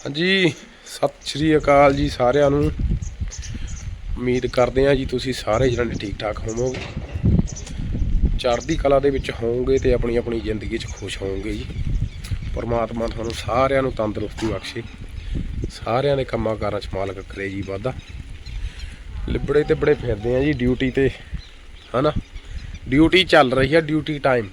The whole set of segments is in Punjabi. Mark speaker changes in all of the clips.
Speaker 1: ਹਾਂਜੀ ਸਤਿ ਸ਼੍ਰੀ ਅਕਾਲ ਜੀ ਸਾਰਿਆਂ ਨੂੰ। ਉਮੀਦ ਕਰਦੇ ਹਾਂ ਜੀ ਤੁਸੀਂ ਸਾਰੇ ਜਣੇ ਠੀਕ ਠਾਕ ਹੋਵੋਗੇ, ਚੜ੍ਹਦੀ ਕਲਾ ਦੇ ਵਿੱਚ ਹੋਵੋਗੇ ਤੇ ਆਪਣੀ ਆਪਣੀ ਜ਼ਿੰਦਗੀ 'ਚ ਖੁਸ਼ ਹੋਵੋਗੇ ਜੀ। ਪਰਮਾਤਮਾ ਤੁਹਾਨੂੰ ਸਾਰਿਆਂ ਨੂੰ ਤੰਦਰੁਸਤੀ ਬਖਸ਼ੇ, ਸਾਰਿਆਂ ਦੇ ਕੰਮਾਂ ਕਾਰਾਂ 'ਚ ਮਾਲਕ ਕਰੇ ਜੀ ਵਾਧਾ। ਲਿਬੜੇ ਤੇ ਬੜੇ ਫਿਰਦੇ ਆ ਜੀ ਡਿਊਟੀ ਤੇ, ਹੈ ਨਾ। ਡਿਊਟੀ ਚੱਲ ਰਹੀ ਹੈ, ਡਿਊਟੀ ਟਾਈਮ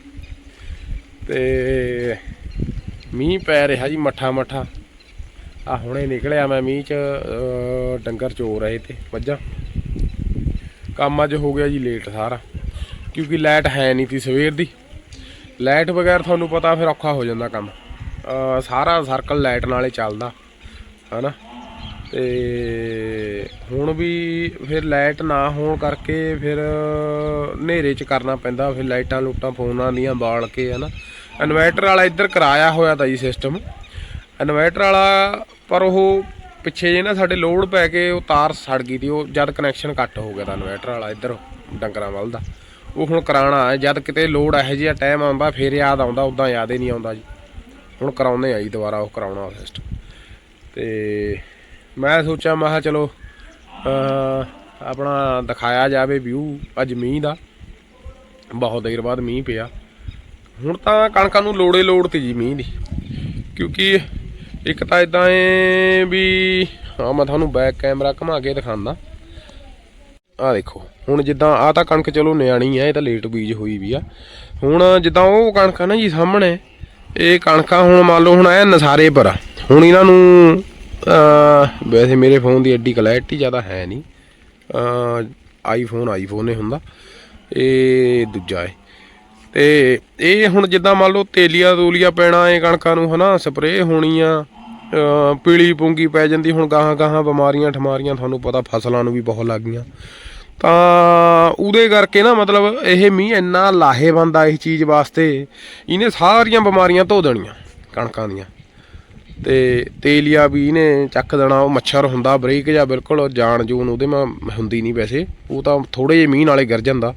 Speaker 1: ਤੇ ਮੀਂਹ ਪੈ ਰਿਹਾ ਜੀ ਮੱਠਾ ਮੱਠਾ। ਆ ਹੁਣੇ ਨਿਕਲਿਆ ਮੈਂ ਮੀਂਹ 'ਚ, ਡੰਗਰ ਚੋ ਰਹੇ ਤੇ ਮੱਝਾਂ। ਕੰਮ ਅੱਜ ਹੋ ਗਿਆ ਜੀ ਲੇਟ ਸਾਰਾ, ਕਿਉਂਕਿ ਲਾਈਟ ਹੈ ਨਹੀਂ ਤੀ ਸਵੇਰ ਦੀ। ਲਾਈਟ ਬਗੈਰ ਤੁਹਾਨੂੰ ਪਤਾ ਫਿਰ ਔਖਾ ਹੋ ਜਾਂਦਾ ਕੰਮ, ਸਾਰਾ ਸਰਕਲ ਲਾਈਟ ਨਾਲ ਹੀ ਚੱਲਦਾ ਹੈ ਨਾ। ਤੇ ਹੁਣ ਵੀ ਫਿਰ ਲਾਈਟ ਨਾ ਹੋਣ ਕਰਕੇ ਫਿਰ ਹਨੇਰੇ 'ਚ ਕਰਨਾ ਪੈਂਦਾ, ਫਿਰ ਲਾਈਟਾਂ ਲੂਟਾਂ ਫੋਨਾਂ ਦੀਆਂ ਬਾਲ ਕੇ, ਹੈ ਨਾ। ਇਨਵੈਟਰ ਵਾਲਾ ਇੱਧਰ ਕਰਾਇਆ ਹੋਇਆ ਤਾ ਜੀ ਸਿਸਟਮ ਇਨਵੈਟਰ ਵਾਲਾ, ਪਰ ਉਹ ਪਿੱਛੇ ਜੇ ਨਾ ਸਾਡੇ ਲੋਡ ਪੈ ਕੇ ਉਹ ਤਾਰ ਸੜ ਗਈ ਤੀ। ਉਹ ਜਦ ਕਨੈਕਸ਼ਨ ਕੱਟ ਹੋ ਗਿਆ ਤਾ ਇਨਵੈਟਰ ਵਾਲਾ ਇੱਧਰ ਡੰਗਰਾਂ ਵੱਲ ਦਾ, ਉਹ ਹੁਣ ਕਰਾਉਣਾ ਹੈ। ਜਦ ਕਿਤੇ ਲੋਡ ਇਹੋ ਜਿਹਾ ਟਾਈਮ ਆਉਂਦਾ ਫਿਰ ਯਾਦ ਆਉਂਦਾ, ਉੱਦਾਂ ਯਾਦ ਹੀ ਨਹੀਂ ਆਉਂਦਾ ਜੀ। ਹੁਣ ਕਰਾਉਂਦੇ ਆ ਜੀ ਦੁਬਾਰਾ, ਉਹ ਕਰਾਉਣਾ ਸਿਸਟਮ। ਤੇ ਮੈਂ ਸੋਚਿਆ, ਮੈਂ ਕਿਹਾ ਚਲੋ ਆਪਣਾ ਦਿਖਾਇਆ ਜਾਵੇ ਵਿਊ ਅੱਜ ਮੀਂਹ ਦਾ। ਬਹੁਤ ਦੇਰ ਬਾਅਦ ਮੀਂਹ ਪਿਆ। ਹੁਣ ਤਾਂ ਕਣਕਾਂ ਨੂੰ ਲੋੜ ਤੀ ਜੀ ਮੀਂਹ ਦੀ, ਕਿਉਂਕਿ ਇੱਕ ਤਾਂ ਇੱਦਾਂ ਏ ਵੀ, ਹਾਂ ਮੈਂ ਤੁਹਾਨੂੰ ਬੈਕ ਕੈਮਰਾ ਘੁਮਾ ਕੇ ਦਿਖਾਉਂਦਾ। ਆਹ ਦੇਖੋ ਹੁਣ ਜਿੱਦਾਂ ਆਹ ਤਾਂ ਕਣਕ ਚਲੋ ਨਿਆਣੀ ਆ, ਇਹ ਤਾਂ ਲੇਟ ਬੀਜ ਹੋਈ ਵੀ ਆ। ਹੁਣ ਜਿੱਦਾਂ ਉਹ ਕਣਕ ਆ ਨਾ ਜੀ ਸਾਹਮਣੇ, ਇਹ ਕਣਕਾਂ ਹੁਣ ਮੰਨ ਲਓ ਹੁਣ ਇਹ ਨਸਾਰੇ ਪਰ ਆ। ਹੁਣ ਇਹਨਾਂ ਨੂੰ ਵੈਸੇ ਮੇਰੇ ਫੋਨ ਦੀ ਐਡੀ ਕਲੈਰਿਟੀ ਜ਼ਿਆਦਾ ਹੈ ਨਹੀਂ, ਆਈਫੋਨ ਹੀ ਹੁੰਦਾ, ਇਹ ਦੂਜਾ ਏ। ਤੇ ਇਹ ਹੁਣ ਜਿੱਦਾਂ ਮੰਨ ਲਓ ਤੇਲੀਆ ਤੂਲੀਆ ਪੈਣਾ ਇਹ ਕਣਕਾਂ ਨੂੰ, ਹੈ ਨਾ। ਸਪਰੇਅ ਹੋਣੀ ਆ, ਪੀਲੀ ਪੂੰਗੀ ਪੈ ਜਾਂਦੀ। ਹੁਣ ਗਾਹਾਂ ਗਾਹਾਂ ਬਿਮਾਰੀਆਂ ਠਮਾਰੀਆਂ ਤੁਹਾਨੂੰ ਪਤਾ ਫਸਲਾਂ ਨੂੰ ਵੀ ਬਹੁਤ ਲੱਗ ਗਈਆਂ, ਤਾਂ ਉਹਦੇ ਕਰਕੇ ਨਾ ਮਤਲਬ ਇਹ ਮੀਂਹ ਇੰਨਾ ਲਾਹੇਵੰਦ ਆ ਇਸ ਚੀਜ਼ ਵਾਸਤੇ, ਇਹਨੇ ਸਾਰੀਆਂ ਬਿਮਾਰੀਆਂ ਧੋ ਦੇਣੀਆਂ ਕਣਕਾਂ ਦੀਆਂ। ਤੇ ਤੇਲੀਆ ਵੀ ਇਹਨੇ ਚੱਕ ਦੇਣਾ। ਉਹ ਮੱਛਰ ਹੁੰਦਾ ਬਰੀਕ ਜਾਂ ਬਿਲਕੁਲ ਜਾਨ ਜੂਨ ਉਹਦੇ ਮੈਂ ਹੁੰਦੀ ਨਹੀਂ ਵੈਸੇ, ਉਹ ਤਾਂ ਥੋੜ੍ਹੇ ਜਿਹੇ ਮੀਂਹ ਨਾਲੇ ਗਿਰ ਜਾਂਦਾ।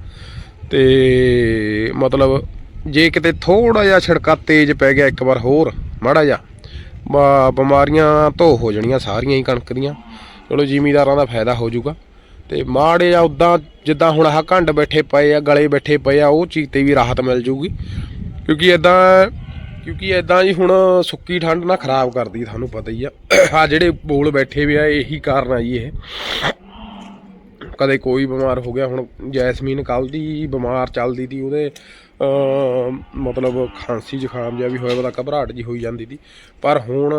Speaker 1: ਤੇ ਮਤਲਬ ਜੇ ਕਿਤੇ ਥੋੜ੍ਹਾ ਜਿਹਾ ਛਿੜਕਾ ਤੇਜ਼ ਪੈ ਗਿਆ ਇੱਕ ਵਾਰ ਹੋਰ ਮਾੜਾ ਜਿਹਾ, ਬਿਮਾਰੀਆਂ ਧੋ ਹੋ ਜਾਣੀਆਂ ਸਾਰੀਆਂ ਹੀ ਕਣਕ ਦੀਆਂ। ਚਲੋ ਜ਼ਿਮੀਦਾਰਾਂ ਦਾ ਫਾਇਦਾ ਹੋ ਜਾਊਗਾ। ਤੇ ਮਾੜੇ ਜਿਹਾ ਉੱਦਾਂ ਜਿੱਦਾਂ ਹੁਣ ਆਹ ਘੰਡ ਬੈਠੇ ਪਏ ਆ, ਗਲੇ ਬੈਠੇ ਪਏ ਆ, ਉਹ ਚੀਜ਼ 'ਤੇ ਵੀ ਰਾਹਤ ਮਿਲ ਜੂਗੀ। ਕਿਉਂਕਿ ਇੱਦਾਂ ਜੀ ਹੁਣ ਸੁੱਕੀ ਠੰਡ ਨਾ ਖਰਾਬ ਕਰਦੀ, ਤੁਹਾਨੂੰ ਪਤਾ ਹੀ ਆ। ਆਹ ਜਿਹੜੇ ਬੋਲ ਬੈਠੇ ਵੀ ਆ ਇਹੀ ਕਾਰਨ ਆ ਜੀ। ਇਹ ਕਦੇ ਕੋਈ ਬਿਮਾਰ ਹੋ ਗਿਆ, ਹੁਣ ਜੈਸਮੀਨ ਕੱਲ੍ਹ ਦੀ ਬਿਮਾਰ ਚੱਲਦੀ ਤੀ, ਉਹਦੇ ਮਤਲਬ ਖਾਂਸੀ ਜ਼ੁਕਾਮ ਜਿਹਾ ਵੀ ਹੋਇਆ ਪਤਾ, ਘਬਰਾਹਟ ਜੀ ਹੋਈ ਜਾਂਦੀ ਤੀ। ਪਰ ਹੁਣ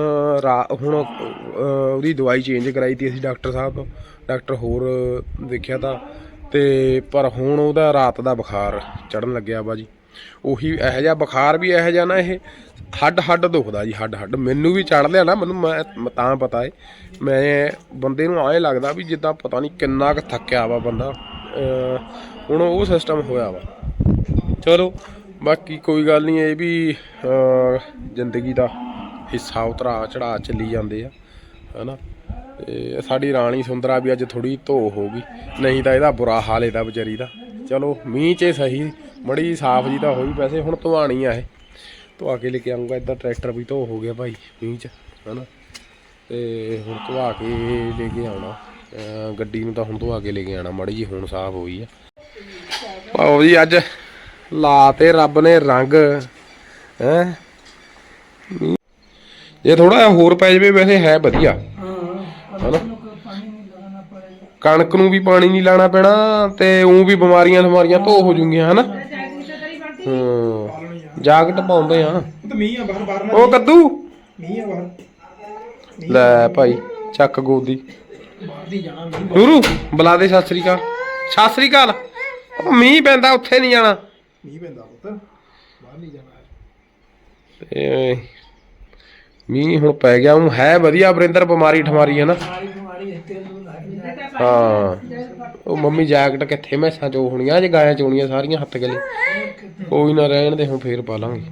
Speaker 1: ਉਹਦੀ ਦਵਾਈ ਚੇਂਜ ਕਰਾਈ ਤੀ ਅਸੀਂ ਡਾਕਟਰ ਸਾਹਿਬ ਤੋਂ, ਡਾਕਟਰ ਹੋਰ ਦੇਖਿਆ ਤਾਂ। ਤੇ ਪਰ ਹੁਣ ਉਹਦਾ ਰਾਤ ਦਾ ਬੁਖਾਰ ਚੜ੍ਹਨ ਲੱਗਿਆ ਵਾ ਜੀ। ਉਹੀ ਇਹੋ ਜਿਹਾ ਬੁਖਾਰ ਵੀ ਇਹੋ ਜਿਹਾ ਨਾ, ਇਹ ਹੱਡ ਦੁਖਦਾ ਜੀ, ਹੱਡ ਮੈਨੂੰ ਵੀ ਚੜ੍ਹ ਲਿਆ ਨਾ। ਮੈਨੂੰ ਮੈਂ ਤਾਂ ਪਤਾ ਏ, ਮੈਂ ਬੰਦੇ ਨੂੰ ਐਂ ਲੱਗਦਾ ਵੀ ਜਿੱਦਾਂ ਪਤਾ ਨਹੀਂ ਕਿੰਨਾ ਕੁ ਥੱਕਿਆ ਵਾ ਬੰਦਾ। ਹੁਣ ਉਹ ਸਿਸਟਮ ਹੋਇਆ ਵਾ। ਚਲੋ ਬਾਕੀ ਕੋਈ ਗੱਲ ਨਹੀਂ, ਇਹ ਵੀ ਜ਼ਿੰਦਗੀ ਦਾ ਹਿੱਸਾ, ਉਤਰਾ ਚੜ੍ਹਾ ਚੱਲੀ ਜਾਂਦੇ ਆ, ਹੈ ਨਾ। ਤੇ ਸਾਡੀ ਰਾਣੀ ਸੁੰਦਰਾ ਵੀ ਅੱਜ ਥੋੜ੍ਹੀ ਧੋ ਹੋ ਗਈ, ਨਹੀਂ ਤਾਂ ਇਹਦਾ ਬੁਰਾ ਹਾਲ ਇਹਦਾ ਵਿਚਾਰੀ ਦਾ। ਚਲੋ ਮੀਂਹ 'ਚ ਸਹੀ ਮੜੀ ਸਾਫ਼ ਜੀ ਤਾਂ ਹੋਈ। ਵੈਸੇ ਹੁਣ ਧੁਆਣੀ ਆ, ਇਹ ਧੁਆ ਕੇ ਲੈ ਕੇ ਆਊਂਗਾ। ਇੱਦਾਂ ਟਰੈਕਟਰ ਵੀ ਧੋ ਹੋ ਗਿਆ ਭਾਈ ਮੀਂਹ 'ਚ, ਹੈ ਨਾ। ਤੇ ਹੁਣ ਧੁਆ ਕੇ ਲੈ ਕੇ ਆਉਣਾ ਗੱਡੀ ਨੂੰ, ਤਾਂ ਹੁਣ ਧੁਆ ਕੇ ਲੈ ਕੇ ਆਉਣਾ ਮਾੜੀ ਜੀ, ਹੁਣ ਸਾਫ਼ ਹੋਈ ਆ। ਆਓ ਜੀ ਅੱਜ ਲਾ ਤੇ ਰੱਬ ਨੇ ਰੰਗ, ਹੈ। ਜੇ ਥੋੜਾ ਜਿਹਾ ਹੋਰ ਪੈ ਜਾਵੇ ਵੈਸੇ ਹੈ ਵਧੀਆ, ਹੈ ਨਾ। ਕਣਕ ਨੂੰ ਵੀ ਪਾਣੀ ਨਹੀਂ ਲਾਉਣਾ ਪੈਣਾ, ਤੇ ਊਂ ਵੀ ਬਿਮਾਰੀਆਂ ਧੋ ਹੋ ਜੂਗੀਆਂ, ਹੈ ਨਾ। ਜਾਕਟ ਪਾਉਂਦੇ ਆ ਉਹ ਕੱਦੂ ਲੈ ਭਾਈ, ਚੱਕ ਗੋਦੀ ਨੂਰੂ ਬੁਲਾ ਦੇ। ਸਤਿ ਸ੍ਰੀ ਅਕਾਲ। ਉਹ ਮੀਂਹ ਪੈਂਦਾ, ਉੱਥੇ ਨਹੀਂ ਜਾਣਾ। ਤੇ ਮੀਂਹ ਹੁਣ ਪੈ ਗਿਆ, ਉਹ ਹੈ ਵਧੀਆ ਵਰਿੰਦਰ, ਬਿਮਾਰੀ ਠਮਾਰੀ, ਹੈ ਨਾ। ਹਾਂ ਉਹ ਮੰਮੀ ਜੈਕਟ ਕਿੱਥੇ ਮੈਸਾਂ ਚੋ ਹੋਣੀਆਂ, ਜੇ ਗਾਇਆਂ ਚੋਣੀਆਂ ਸਾਰੀਆਂ ਹੱਥ ਗਲੇ। ਕੋਈ ਨਾ ਰਹਿਣ ਦੇ, ਹੁਣ ਫੇਰ ਪਾ ਲਾਂਗੇ।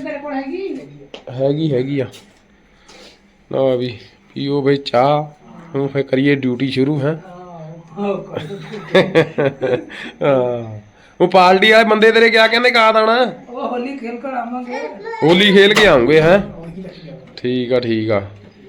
Speaker 1: ਹੈਗੀ ਆ ਨਾ ਵੀ ਪੀਓ ਬਈ ਚਾਹ, ਹੁਣ ਫੇਰ ਕਰੀਏ ਡਿਊਟੀ ਸ਼ੁਰੂ। ਹੈ ਉਹ ਪਾਰਟੀ ਵਾਲੇ ਬੰਦੇ ਤੇਰੇ ਕਿਆ ਕਹਿੰਦੇ, ਕਾਦ ਆਉਣਾ? ਹੋਲੀ ਖੇਲ ਕੇ ਆਉਂਗੇ। ਹੈ ਠੀਕ ਆ।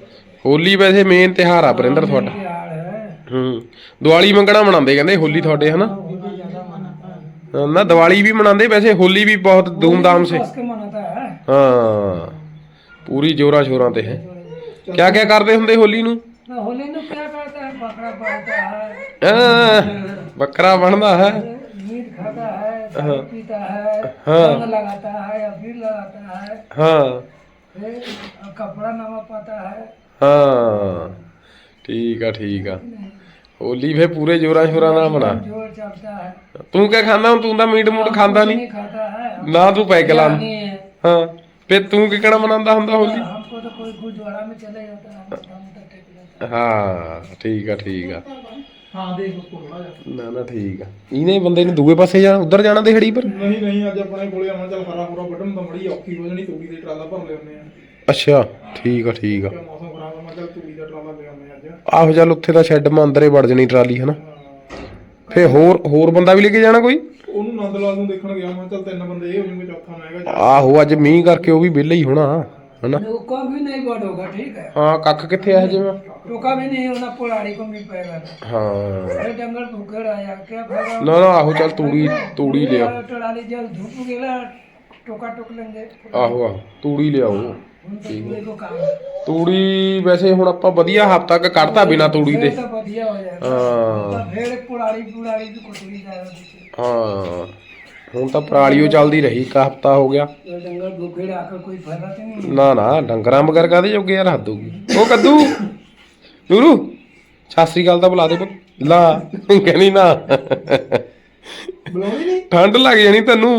Speaker 1: ਹੋਲੀ ਵੈਸੇ ਮੇਨ ਤਿਉਹਾਰ ਆ ਵਰਿੰਦਰ ਤੁਹਾਡਾ।
Speaker 2: ਤਿਉਹਾਰ ਹੈ।
Speaker 1: ਦੀਵਾਲੀ ਮੰਗਣਾ ਮਨਾਉਂਦੇ ਕਹਿੰਦੇ ਹੋਲੀ ਤੁਹਾਡੇ ਹਨਾ।
Speaker 2: होली ज्यादा मनाता है।
Speaker 1: ਨਾ ਦੀਵਾਲੀ ਵੀ ਮਨਾਉਂਦੇ ਵੈਸੇ ਹੋਲੀ ਵੀ ਬਹੁਤ ਧੂਮਧਾਮ ਸੇ।
Speaker 2: कस के मनाता है।
Speaker 1: ਹਾਂ ਪੂਰੀ ਜੋਰਾਂ ਸ਼ੋਰਾਂ ਤੇ ਹੈ। ਕਿਆ ਕਿਆ ਕਰਦੇ ਹੁੰਦੇ ਹੋਲੀ ਨੂੰ?
Speaker 2: ना होली में क्या करता है, बकरा बनता है,
Speaker 1: ਬੱਕਰਾ ਬਣਦਾ ਹੈ।
Speaker 2: मीट खाता है, दारू पीता है,
Speaker 1: हाँ।
Speaker 2: रंग लगाता है, अबीर लगाता है,
Speaker 1: ਹਾਂ
Speaker 2: फिर कपड़ा नवा पाता है।
Speaker 1: ਹਾਂ ਠੀਕ ਆ ਠੀਕ ਆ। ਹੋਲੀ ਫੇ ਪੂਰੇ ਜੋਰਾਂ ਸ਼ੋਰਾਂ ਨਾਲ ਮਨਾ।
Speaker 2: जोर चलता है।
Speaker 1: ਤੂੰ ਕਿਆ ਖਾਂਦਾ ਹੁਣ? ਤੂੰ ਤਾਂ ਮੀਟ ਮੂਟ ਖਾਂਦਾ ਨਹੀਂ
Speaker 2: नहीं खाता है।
Speaker 1: ਨਾ, ਤੂੰ ਪੈਗ ਲਾ।
Speaker 2: नहीं है।
Speaker 1: ਹਾਂ ਫੇ ਤੂੰ ਕਿਹੜਾ ਮਨਾਉਂਦਾ ਹੁੰਦਾ ਹੋਲੀ?
Speaker 2: हमको तो कोई गुरुद्वारा में चले जाता है, हम तो टेक लेते हैं।
Speaker 1: ਹਾਂ ਠੀਕ ਆ ਠੀਕ ਆ।
Speaker 2: हाँ देख उसको थोड़ा जा।
Speaker 1: ਨਾ ਨਾ ਠੀਕ ਆ। ਇਹਨੇ ਬੰਦੇ ਨੇ ਦੂਏ ਪਾਸੇ ਜਾਣਾ, ਉਧਰ ਜਾਣਾ ਦਿਹੜੀ ਪਰ।
Speaker 3: ਨਹੀਂ ਨਹੀਂ ਅੱਜ ਆਪਣੇ ਕੋਲੇ ਆਉਣਾ, ਚੱਲ ਹਰਾ ਹੁਰਾ ਵੱਢਣ ਤਾਂ ਮੜੀ ਔਖੀ ਹੋ ਜਾਣੀ, ਤੂੜੀ ਦੇ ਟਰਾਲਾ ਭਰ ਲਿਆਉਂਦੇ ਆ।
Speaker 1: ਅੱਛਾ ਠੀਕ ਆ ਠੀਕ ਆ।
Speaker 3: ਕਿਉਂਕਿ ਮੌਸਮ ਖਰਾਬ ਆ, ਮੈਂ ਚੱਲ ਤੂੜੀ ਦਾ ਟਰਾਲਾ ਲੈ ਆਉਂਦੇ ਅੱਜ।
Speaker 1: ਆਹੋ ਚੱਲ ਉੱਥੇ ਤਾਂ ਸ਼ੈੱਡ ਮਾ ਅੰਦਰੇ ਵੜ ਜਣੀ ਟਰਾਲੀ ਹਨਾ। ਫੇ ਹੋਰ ਬੰਦਾ ਵੀ ਲੈ ਕੇ ਜਾਣਾ ਕੋਈ?
Speaker 3: ਉਹਨੂੰ ਨੰਦ ਲਾਲ ਨੂੰ ਦੇਖਣ ਗਿਆ, ਮੈਂ ਚੱਲ 3 ਬੰਦੇ ਇਹ ਹੋ ਜਾਣਗੇ, ਚੌਥਾ ਮੈਂ ਹੈਗਾ।
Speaker 1: ਆਹੋ ਅੱਜ ਮੀਂਹ ਕਰਕੇ ਉਹ ਵੀ ਵਿਹਲਾ ਹੀ ਹੋਣਾ ਹਨਾ।
Speaker 2: टोका भी नहीं बड़ होगा, ठीक है।
Speaker 1: ਹਾਂ ਕੱਖ ਕਿੱਥੇ ਆ ਜਿਵੇਂ।
Speaker 2: टोका भी नहीं होना, पुराड़ी को मिल पाएगा।
Speaker 1: ਹਾਂ
Speaker 2: अरे डंगर भूखे आया क्या फायदा।
Speaker 1: ਨਾ ਨਾ आहो चल तूड़ी ले आओ।
Speaker 2: टराली जल धूप गेला, टोका टोक लेंगे।
Speaker 1: ਆਹੋ ਆਹੋ ਤੂੜੀ ਲਿਆਓ।
Speaker 2: उनका पूरे को काम है।
Speaker 1: ਤੂੜੀ ਵੈਸੇ ਹੁਣ ਆਪਾਂ ਵਧੀਆ ਹਫ਼ਤਾ ਕ ਕੱਢਤਾ ਬਿਨਾ ਤੂੜੀ ਦੇ।
Speaker 2: फिर तो बढ़िया हो जाएगा।
Speaker 1: ਹਾਂ
Speaker 2: तो फिर पुराड़ी भी कुटली जाएगा पीछे।
Speaker 1: ਹਾਂ ਹੁਣ ਤਾਂ ਪਰਾਲੀਓ ਚੱਲਦੀ ਰਹੀ, ਇੱਕ ਹਫ਼ਤਾ ਹੋ ਗਿਆ।
Speaker 2: तो डंगर भूखे आकर कोई फायदा तो नहीं।
Speaker 1: ਨਾ ਨਾ ਡੰਗਰਾਂ ਵਗੈਰ ਕਾਹਦੇ ਜੋਗੇ ਯਾਰ, ਹੱਦ ਹੋਊਗੀ। ਉਹ ਕੱਦੂ ਨੂਰੂ ਸਤਿ ਸ੍ਰੀ ਅਕਾਲ ਤਾਂ ਬੁਲਾ ਦੇ ਪੁੱਤ। ਲਾ ਕਹਿੰਦੀ ਨਾ
Speaker 3: ਬੁਲਾਉਣੀ ਨਹੀਂ।
Speaker 1: ਠੰਡ ਲੱਗ ਜਾਣੀ ਤੈਨੂੰ।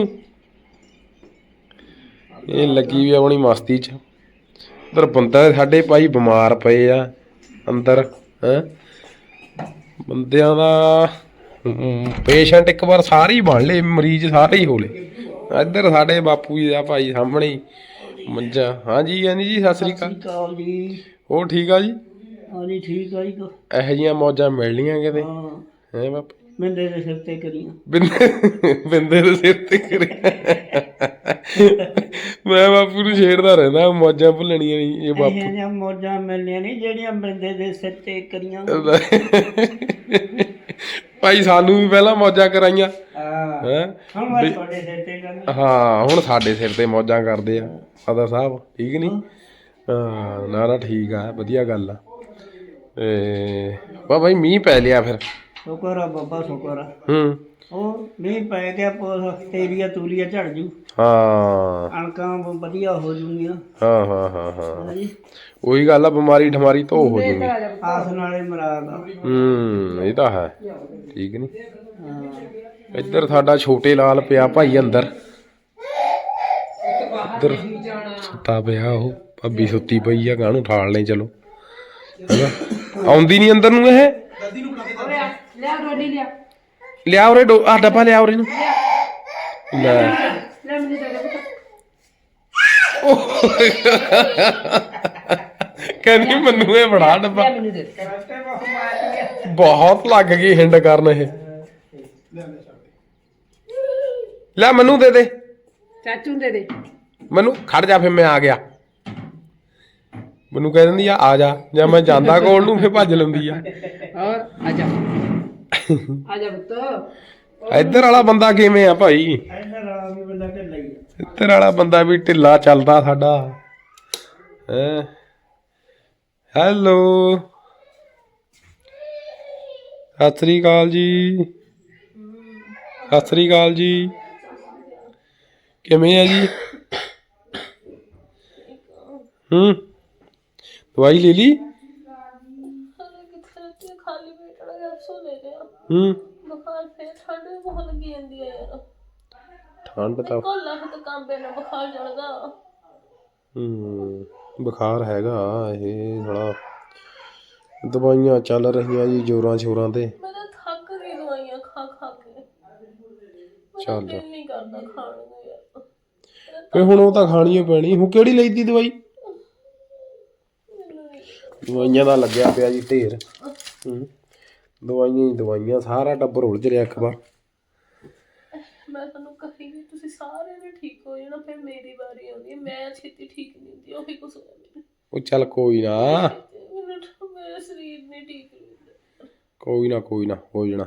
Speaker 1: ਇਹ ਲੱਗੀ ਵੀ ਆਪਣੀ ਮਸਤੀ 'ਚ। ਉਧਰ ਬੰਦਾ ਸਾਡੇ ਭਾਈ ਬਿਮਾਰ ਪਏ ਆ ਅੰਦਰ ਹੈ। ਬੰਦਿਆਂ ਦਾ ਪੇਸ਼ੈਂਟ ਇੱਕ ਵਾਰ ਸਾਰੇ ਹੀ ਬਣ ਲਏ, ਮਰੀਜ਼ ਸਾਰੇ ਹੀ ਹੋ ਲਏ। ਇੱਧਰ ਸਾਡੇ ਬਾਪੂ ਜੀ ਦਾ ਭਾਈ ਸਾਹਮਣੇ ਹੀ ਮੰਜਾ। ਹਾਂਜੀ ਹਾਂਜੀ ਜੀ ਸਤਿ ਸ੍ਰੀ ਅਕਾਲ
Speaker 2: जी।
Speaker 1: ਹੋਰ ਠੀਕ ਆ ਜੀ?
Speaker 2: हाँ जी ठीक है जी।
Speaker 1: ਇਹੋ ਜਿਹੀਆਂ ਮੌਜਾਂ ਮਿਲਣੀਆਂ ਕਿਤੇ
Speaker 2: हाँ
Speaker 1: ਹੈ ਬਾਪੂ?
Speaker 2: मैंने तो सिर ते करियां।
Speaker 1: ਬਿੰਦੇ ਦੇ ਸਿਰ ਤੇ ਕਰਿਆ। ਮੈਂ ਬਾਪੂ ਨੂੰ ਛੇੜਦਾ ਰਹਿੰਦਾ, ਮੌਜਾਂ ਭੁੱਲਣੀਆਂ ਨਹੀਂ ਇਹ ਬਾਪੂ।
Speaker 2: ਇਹ ਮੌਜਾਂ ਮਿਲਣੀਆਂ ਨਹੀਂ ਜਿਹੜੀਆਂ ਬੰਦੇ ਦੇ ਸਿਰ ਤੇ ਕਰੀਆਂ।
Speaker 1: ਭਾਈ ਸਾਨੂੰ ਵੀ ਪਹਿਲਾਂ ਮੌਜਾਂ ਕਰਾਈਆਂ
Speaker 2: ਹਾਂ
Speaker 1: ਹੈ।
Speaker 2: ਹੁਣ ਮੈਂ ਤੁਹਾਡੇ ਸਿਰ ਤੇ ਕਰਨੀ।
Speaker 1: ਹਾਂ ਹੁਣ ਸਾਡੇ ਸਿਰ ਤੇ ਮੌਜਾਂ ਕਰਦੇ ਆ ਫਾਦਰ ਸਾਹਿਬ, ਠੀਕ ਨਹੀਂ? ਹਾਂ ਨਾ ਨਾ ਠੀਕ ਆ, ਵਧੀਆ ਗੱਲ ਆ। ਤੇ ਵਾ ਭਾਈ ਮੀਂਹ ਪੈ ਲਿਆ ਫਿਰ।
Speaker 2: ਸ਼ੁਕਰ ਆ ਬਾਬਾ ਸ਼ੁਕਰ ਆ। ਉਹ ਮੀਂਹ ਪੈ ਗਿਆ, ਤੇਰੀਆ ਤੂਰੀਆ ਝੜ ਜੂ।
Speaker 1: ਹਾਂ
Speaker 2: ਕਣਕਾਂ ਵਧੀਆ ਹੋ ਜੂਗੀਆਂ।
Speaker 1: ਹਾਂ ਹਾਂ ਹਾਂ ਹਾਂ ਉਹੀ ਗੱਲ ਆ, ਬਿਮਾਰੀ ਠਮਾਰੀ ਧੋ ਹੋ ਜੂਗੀ।
Speaker 2: ਆਸ ਨਾਲੇ ਮਰਾਦ ਆ।
Speaker 1: ਇਹ ਤਾਂ ਹੈ, ਠੀਕ ਨੀ? ਇੱਧਰ ਸਾਡਾ ਛੋਟੇ ਲਾਲ ਪਿਆ ਭਾਈ ਅੰਦਰ, ਇੱਧਰ ਸੁੱਤਾ ਪਿਆ। ਉਹ ਭਾਬੀ ਸੁੱਤੀ ਪਈ ਆ, ਗਾਣੂ ਠਾਲ ਲੈ ਚਲੋ। ਆਉਂਦੀ ਨਹੀਂ ਅੰਦਰ ਨੂੰ ਇਹ। ਲਿਆ ਉਰੇ ਆ ਡੱਬਾ, ਲਿਆ ਉਰੇ ਨੂੰ ਲੈ। ਕਹਿੰਦੀ ਮੈਨੂੰ ਇਹ ਬੜਾ ਡੱਬਾ। ਬਹੁਤ ਲੱਗ ਗਈ ਹਿੰਡ ਕਰਨ ਇਹ। ਲੈ ਮੈਨੂੰ ਦੇ ਦੇ,
Speaker 2: ਚਾਚੂ ਦੇ ਦੇ
Speaker 1: ਮੈਨੂੰ। ਖੜ ਜਾ ਫਿਰ ਮੈਂ ਆ ਗਿਆ। ਮੈਨੂੰ ਕਹਿ ਦਿੰਦੀ ਆ ਜਾ, ਜਾਂ ਮੈਂ ਜਾਂਦਾ ਕੋਲ ਨੂੰ ਫਿਰ ਭੱਜ ਲੈਂਦੀ ਆ।
Speaker 2: ਹੋਰ ਆਜਾ ਆਜਾ ਪੁੱਤ।
Speaker 1: ਇੱਧਰ ਵਾਲਾ ਬੰਦਾ ਕਿਵੇਂ ਆ ਭਾਈ?
Speaker 2: ਇੱਧਰ ਵਾਲਾ ਵੀ ਬੰਦਾ ਢਿੱਲਾ ਹੀ ਆ।
Speaker 1: ਇੱਧਰ ਵਾਲਾ ਬੰਦਾ ਵੀ ਢਿੱਲਾ ਚੱਲਦਾ ਸਾਡਾ ਹੈ। ਹੈਲੋ ਸਤਿ ਸ੍ਰੀ ਅਕਾਲ ਜੀ, ਸਤਿ ਸ੍ਰੀ ਅਕਾਲ ਜੀ। ਕਿਵੇਂ ਆ ਜੀ? ਦਵਾਈ ਲੈ ਲਈ? ਠੰਡ ਤਾਂ ਬੁਖਾਰ ਹੈਗਾ ਇਹ ਥੋੜਾ। ਦਵਾਈਆਂ ਚੱਲ ਰਹੀਆਂ ਜੀ ਜ਼ੋਰਾਂ ਸ਼ੋਰਾਂ ਤੇ। ਚੱਲ ਫੇ ਹੁਣ ਉਹ ਤਾਂ ਖਾਣੀ ਓ ਪੈਣੀ। ਹੁਣ ਕਿਹੜੀ ਲਈ ਤੀ ਦਵਾਈ? ਦਵਾਈਆਂ ਦਾ ਲੱਗਿਆ ਪਿਆ ਜੀ ਢੇਰ। ਦਵਾਈਆਂ ਹੀ ਦਵਾਈਆਂ, ਸਾਰਾ ਟੱਬਰ ਉਲਝ ਰਿਹਾ ਇੱਕ ਵਾਰ।
Speaker 4: ਮੈਂ ਤੁਹਾਨੂੰ ਕਹੀ ਵੀ ਤੁਸੀਂ ਸਾਰਿਆਂ ਨੇ ਠੀਕ ਹੋ ਜਾਣਾ, ਫਿਰ ਮੇਰੀ ਵਾਰੀ ਆਉਂਦੀ ਹੈ। ਮੈਂ ਛੇਤੀ ਠੀਕ ਨਹੀਂ ਹੁੰਦੀ, ਉਹੀ ਕੁਛ ਹੋਇਆ ਮੈਨੂੰ।
Speaker 1: ਉਹ ਚੱਲ ਕੋਈ ਨਾ, ਕੋਈ ਨਾ ਹੋ ਜਾਣਾ,